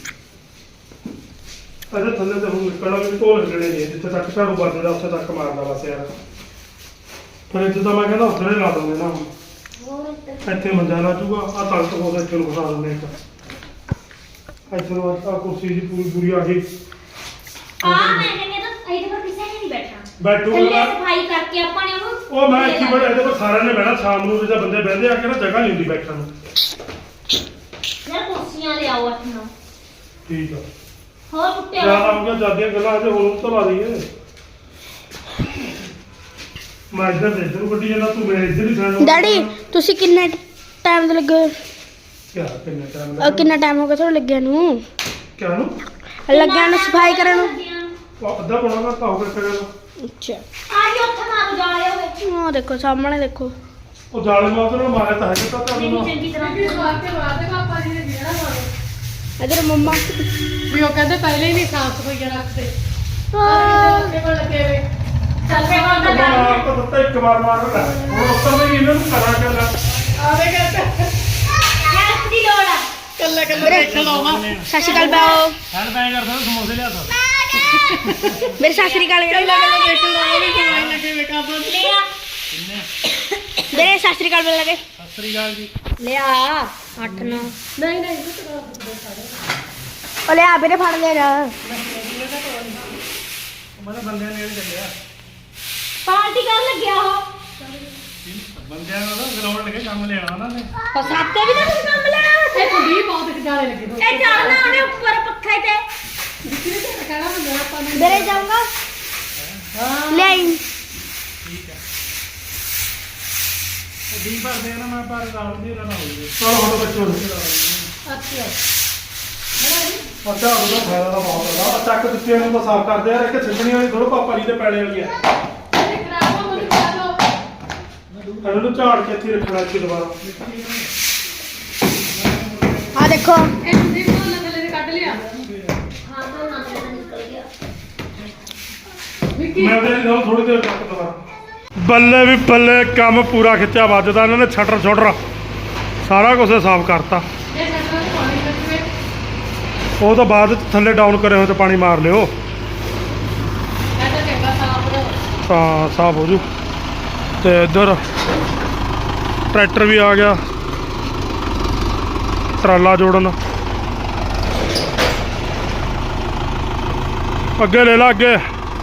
Speaker 1: ਅਜੇ ਥੱਲੇ ਤੇ ਹੁਣ ਨਿਕਲਣਾ ਵੀ ਢੋਲ ਹਿੱਲਣੇ ਨਹੀਂ ਜਿੱਥੇ ਤੱਕ ਝਾੜੂ ਵੱਜਦਾ ਉੱਥੇ ਤੱਕ ਮਾਰਦਾ ਬਸ ਯਾਰ ਫਿਰ ਇੱਥੇ ਤਾਂ ਮੈਂ ਕਹਿੰਦਾ ਉੱਧਰ ਹੀ ਲਾ ਦੂੰਗੇ ਨਾ ਹੁਣ ਇੱਥੇ ਮੰਜਾ ਲਾ ਜੂਗਾ ਆ ਤਲਤ ਹੋ ਇੱਥੇ ਨੂੰ ਬਣਾ ਦਿੰਦੇ ਇੱਕ ਇੱਥੇ ਨੂੰ ਆ ਕੁਰਸੀ ਦੀ ਪੂਰੀ ਆ ਗਈ
Speaker 2: ਆ ਮੈਂ ਕਹਿੰਦੀ ਤਾਂ ਇਹਦੇ ਪਰ ਕਿਸੇ ਨੇ ਨਹੀਂ ਬੈਠਣਾ
Speaker 1: ਬੈਠੂਗਾ
Speaker 2: ਥੱਲੇ
Speaker 1: ਨਾ।
Speaker 2: ਸਫਾਈ ਕਰਕੇ ਆਪਾਂ ਨੇ ਉਹਨੂੰ
Speaker 1: ਉਹ ਮੈਂ ਇੱਥੇ ਬੜੇ ਇਹਦੇ ਪਰ ਸਾਰਿਆਂ ਨੇ ਬਹਿਣਾ ਸ਼ਾਮ ਨੂੰ ਜਦੋਂ ਬੰਦੇ ਬਹਿੰਦੇ ਆ ਕੇ ਨਾ ਜਗ੍ਹਾ ਨਹੀਂ ਹੁੰਦੀ ਬੈਠਣ ਨੂੰ
Speaker 2: ਯਾਰ ਕੁਰਸੀਆਂ ਲਿਆਓ ਅੱਠ ਨੌ
Speaker 1: ਠੀਕ ਆ
Speaker 2: ਹੋਰ ਕੁੱਤੇ
Speaker 1: ਜਿਆਦਾ ਹੋ ਗਿਆ ਜਾਂਦੀਆਂ ਗੱਲਾਂ ਅਜੇ ਹੁਣ ਤੋਂ ਲਾ ਦਈਏ ਮੈਂ ਇੱਧਰ ਤੇ ਇੱਧਰ ਨੂੰ ਗੱਡੀ ਜਾਂਦਾ ਤੂੰ ਮੇਰੇ ਇੱਧਰ ਹੀ ਸਾਈਡ
Speaker 4: ਡੈਡੀ ਤੁਸੀਂ ਕਿੰਨੇ ਟਾਈਮ ਦੇ ਲੱਗੇ ਹੋਏ?
Speaker 1: ਕਿਆ ਕਿੰਨੇ ਟਾਈਮ
Speaker 4: ਕਿੰਨਾ ਟਾਈਮ ਹੋ ਗਿਆ ਤੁਹਾਨੂੰ ਲੱਗਿਆ ਨੂੰ
Speaker 1: ਕਿਆ ਨੂੰ
Speaker 4: ਲੱਗਿਆ ਨੂੰ ਸਫਾਈ ਕਰਨ ਨੂੰ
Speaker 1: ਉਹ ਅੱਧਾ ਪੌਣਾ ਘੰਟਾ ਹੋ ਗਿਆ ਕਰਿਆ ਨੂੰ
Speaker 4: ਅੱਛਾ
Speaker 2: ਆ ਜੀ ਉੱਥੇ ਮਾਰੂ ਜਾਲੇ ਹੋਵੇ
Speaker 4: ਉਹ ਦੇਖੋ ਸਾਹਮਣੇ ਦੇਖੋ
Speaker 1: ਉਹ ਜਾਲੇ ਮਾਰ ਨਾਲ ਮਾਰਿਆ ਤਾਂ ਹੈ ਤਾਂ
Speaker 2: ਨਹੀਂ
Speaker 1: ਤੁਹਾਨੂੰ
Speaker 2: ਚੰਗੀ ਤਰ੍ਹਾਂ
Speaker 3: ਕਿ ਸਵਾਰ ਕੇ ਬਾਅਦ ਪਾਪਾ ਜੀ ਨੇ ਜਿਹੜਾ ਮਾਰੋ
Speaker 4: ਇਧਰ ਮੰਮਾ
Speaker 3: ਵੀ ਉਹ ਕਹਿੰਦੇ ਪਹਿਲੇ ਹੀ ਨਹੀਂ ਸਾਫ ਸਫਾਈਆਂ ਰੱਖਦੇ ਸਾਡੇ ਕੋਲ ਲੱਗੇ ਵੇ
Speaker 2: ਚੱਲ ਫੇ ਹੁਣ ਤਾਂ ਕਰ
Speaker 1: ਮਾਰ ਤਾਂ ਦਿੱਤਾ ਇੱਕ ਵਾਰ ਮਾਰ ਦਿੱਤਾ ਹੁਣ ਉੱਤਰ ਨਹੀਂ ਇਹਨਾਂ ਨੂੰ ਕਰਾਂ ਕਿਆ
Speaker 3: ਆਵੇ ਕਹਿੰਦੇ
Speaker 2: ਹੈਲਪ ਦੀ ਲੋੜ ਆ
Speaker 3: ਕੱਲਾ ਕੱਲਾ ਦੇਖ ਲਾਵਾ
Speaker 4: ਸਤਿ ਸ਼੍ਰੀ ਅਕਾਲ ਬਾਓ
Speaker 1: ਹੈਂਡ ਬੈਗ ਕਰਦਾ ਸਮੋਸੇ ਲਿਆ ਤਾ
Speaker 4: ਮੇਰੇ ਸਤਿ ਸ਼੍ਰੀ ਅਕਾਲ ਵੀਰੇ
Speaker 3: ਦੇਖ ਲਾਵਾ ਵੀ ਕਿਵੇਂ ਲੱਗੇ ਵੇ ਕਾਬਲ
Speaker 2: ਲਿਆ
Speaker 4: ਮੇਰੇ ਸਤਿ ਸ਼੍ਰੀ ਅਕਾਲ ਬੋਲ ਲਗੇ
Speaker 1: ਸਤਿ ਸ੍ਰੀ ਅਕਾਲ ਜੀ
Speaker 2: ਲਿਆ 8 9
Speaker 3: ਨਹੀਂ ਨਹੀਂ
Speaker 4: ਉਹ ਲਿਆ ਵੀਰੇ ਫੜ ਲੈ ਜਾ
Speaker 1: ਮੈਂ ਬੰਦਿਆਂ ਨੇੜੇ ਚੱਲਿਆ
Speaker 2: ਪਾਰਟੀ ਕਰ ਲੱਗਿਆ ਉਹ
Speaker 1: ਬੰਦਿਆਂ ਨੂੰ ਗਰਾਊਂਡ ਲੱਗੇ ਕੰਮ ਲੈਣਾ ਉਹਨਾਂ ਨੇ
Speaker 2: ਪਸਾਤੇ ਵੀ ਤਾਂ ਕੁਝ ਕੰਮ ਲੈਣਾ
Speaker 3: ਇਹ ਕੁੜੀ ਬਹੁਤ ਜਾਲੇ ਲੱਗੇ ਹੋਏ
Speaker 2: ਇਹ ਚੜਨਾ ਉਹਨੇ ਉੱਪਰ ਪੱਖੇ ਤੇ
Speaker 3: ਜਿੱਥੇ ਤੇ ਕਹਿਣਾ ਹੁੰਦਾ ਆਪਾਂ ਨੂੰ
Speaker 4: ਵੀਰੇ ਜਾਊਂਗਾ ਲੈ ਆਈ
Speaker 1: ਦੀ ਭਰਦੇ ਆ ਨਾ ਮੈਂ ਪਰ ਰਾਉਣ ਦੀ ਨਾ ਹੋਈ ਚਲੋ ਹੁਣ ਬੱਚੋ
Speaker 3: ਅੱਛਾ
Speaker 1: ਪਤਾ ਉਹਦਾ ਫਾਇਦਾ ਤਾਂ ਬਹੁਤ ਹੈਗਾ ਚੱਕ ਦਿੱਤੀਆਂ ਨੂੰ ਤਾਂ ਸਾਫ਼ ਕਰਦੇ ਯਾਰ ਇੱਕ ਛੱਡਣੀ ਵਾਲੀ ਥੋੜਾ ਪਾਪਾ ਜੀ ਦੇ ਪੈਣੇ ਵਾਲੀ ਆ
Speaker 3: ਇਹ ਖਰਾਬ ਹੋ ਗਈ ਚਲੋ
Speaker 1: ਇਹਨਾਂ ਨੂੰ ਝਾੜ ਕੇ ਇੱਥੇ ਰੱਖਣਾ ਇੱਥੇ ਦੁਬਾਰਾ
Speaker 4: ਆ ਦੇਖੋ
Speaker 3: ਇਹ ਤੁਸੀਂ ਕੋਲ ਥੱਲੇ ਦੇ ਕੱਢ ਲਿਆ
Speaker 2: ਹਾਂ ਤਾਂ ਨਾ ਨਿਕਲ ਗਿਆ
Speaker 3: ਵਿੱਕੀ
Speaker 1: ਮੈਂ ਉਹਦੇ ਨਾਲ ਥੋੜੀ ਦੇਰ ਤੱਕ ਦੁਬਾਰਾ ਬੱਲੇ ਵੀ ਬੱਲੇ ਕੰਮ ਪੂਰਾ ਖਿੱਚਿਆ ਵੱਜਦਾ ਇਹਨਾਂ ਨੇ ਛੱਟਰ ਛੋਟਰ ਸਾਰਾ ਕੁਝ ਸਾਫ਼ ਕਰਤਾ
Speaker 3: ਇਹ ਸੱਟਾਂ ਨੂੰ ਪਾਣੀ ਲੱਗੇ
Speaker 1: ਉਹ ਤੋਂ ਬਾਅਦ ਥੱਲੇ ਡਾਊਨ ਕਰੇ ਹੋਏ ਤੇ ਪਾਣੀ ਮਾਰ ਲਿਓ
Speaker 3: ਇਹ ਤਾਂ ਚੰਗਾ ਸਾਫ ਹੋ
Speaker 1: ਤਾਂ ਸਾਫ਼ ਹੋ ਜੂ ਤੇ ਇੱਧਰ ਟਰੈਕਟਰ ਵੀ ਆ ਗਿਆ ਟਰਾਲਾ ਜੋੜਨ ਅੱਗੇ ਲੈ ਲਾ ਅੱਗੇ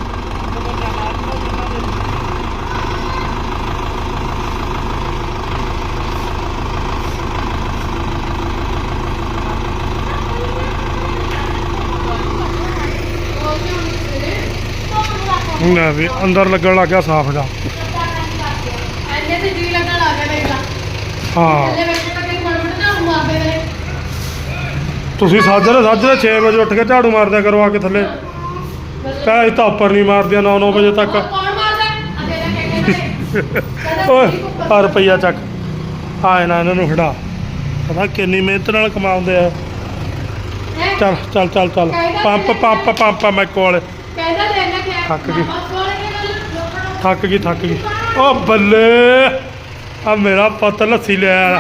Speaker 1: ਲੈ ਵੀ ਅੰਦਰ ਲੱਗਣ ਲੱਗ ਗਿਆ ਸਾਫ਼ ਜਾ
Speaker 3: ਐਨੇ ਤੇ ਜੀ ਲੱਗਣ ਲੱਗ ਗਿਆ ਦੇਖ ਲਾ
Speaker 1: ਹਾਂ
Speaker 3: ਥੱਲੇ ਬੈਠੇ ਤਾਂ ਕਈ ਮੜਮੜ ਨਾ ਮਾਰਦੇ ਨੇ
Speaker 1: ਤੁਸੀਂ ਸਾਜਰੇ 6 ਵਜੇ ਉੱਠ ਕੇ ਝਾੜੂ ਮਾਰਦਿਆ ਕਰੋ ਆ ਕੇ ਥੱਲੇ ਕਹੇ ਤਾਂ ਉੱਪਰ ਨਹੀਂ ਮਾਰਦੀਆਂ 9 ਵਜੇ ਤੱਕ
Speaker 3: ਕੌਣ ਮਾਰਦਾ ਅਜੇ ਦਾ ਕਹਿੰਦੇ
Speaker 1: ਓਏ ਆ ਰੁਪਈਆ ਚੱਕ ਆਏ ਨਾ ਇਹਨਾਂ ਨੂੰ ਖੜਾ ਪਤਾ ਕਿੰਨੀ ਮਿਹਨਤ ਨਾਲ ਕਮਾਉਂਦੇ ਆ ਚੱਲ ਚੱਲ ਚੱਲ ਚੱਲ ਪੰਪ ਪੰਪ ਪੰਪ ਮੈਂ ਕੋਲ
Speaker 3: ਕਹਿੰਦਾ ਦੇਣਾ ਕਿ
Speaker 1: ਥੱਕ ਗਈ।
Speaker 3: ਬਸ ਕੋਲ ਕੇ ਲੋਕਾਂ ਨੂੰ
Speaker 1: ਥੱਕ ਗਈ ਓ ਬੱਲੇ ਆ ਮੇਰਾ ਪੁੱਤ ਲੱਸੀ ਲਿਆ
Speaker 2: ਉਹ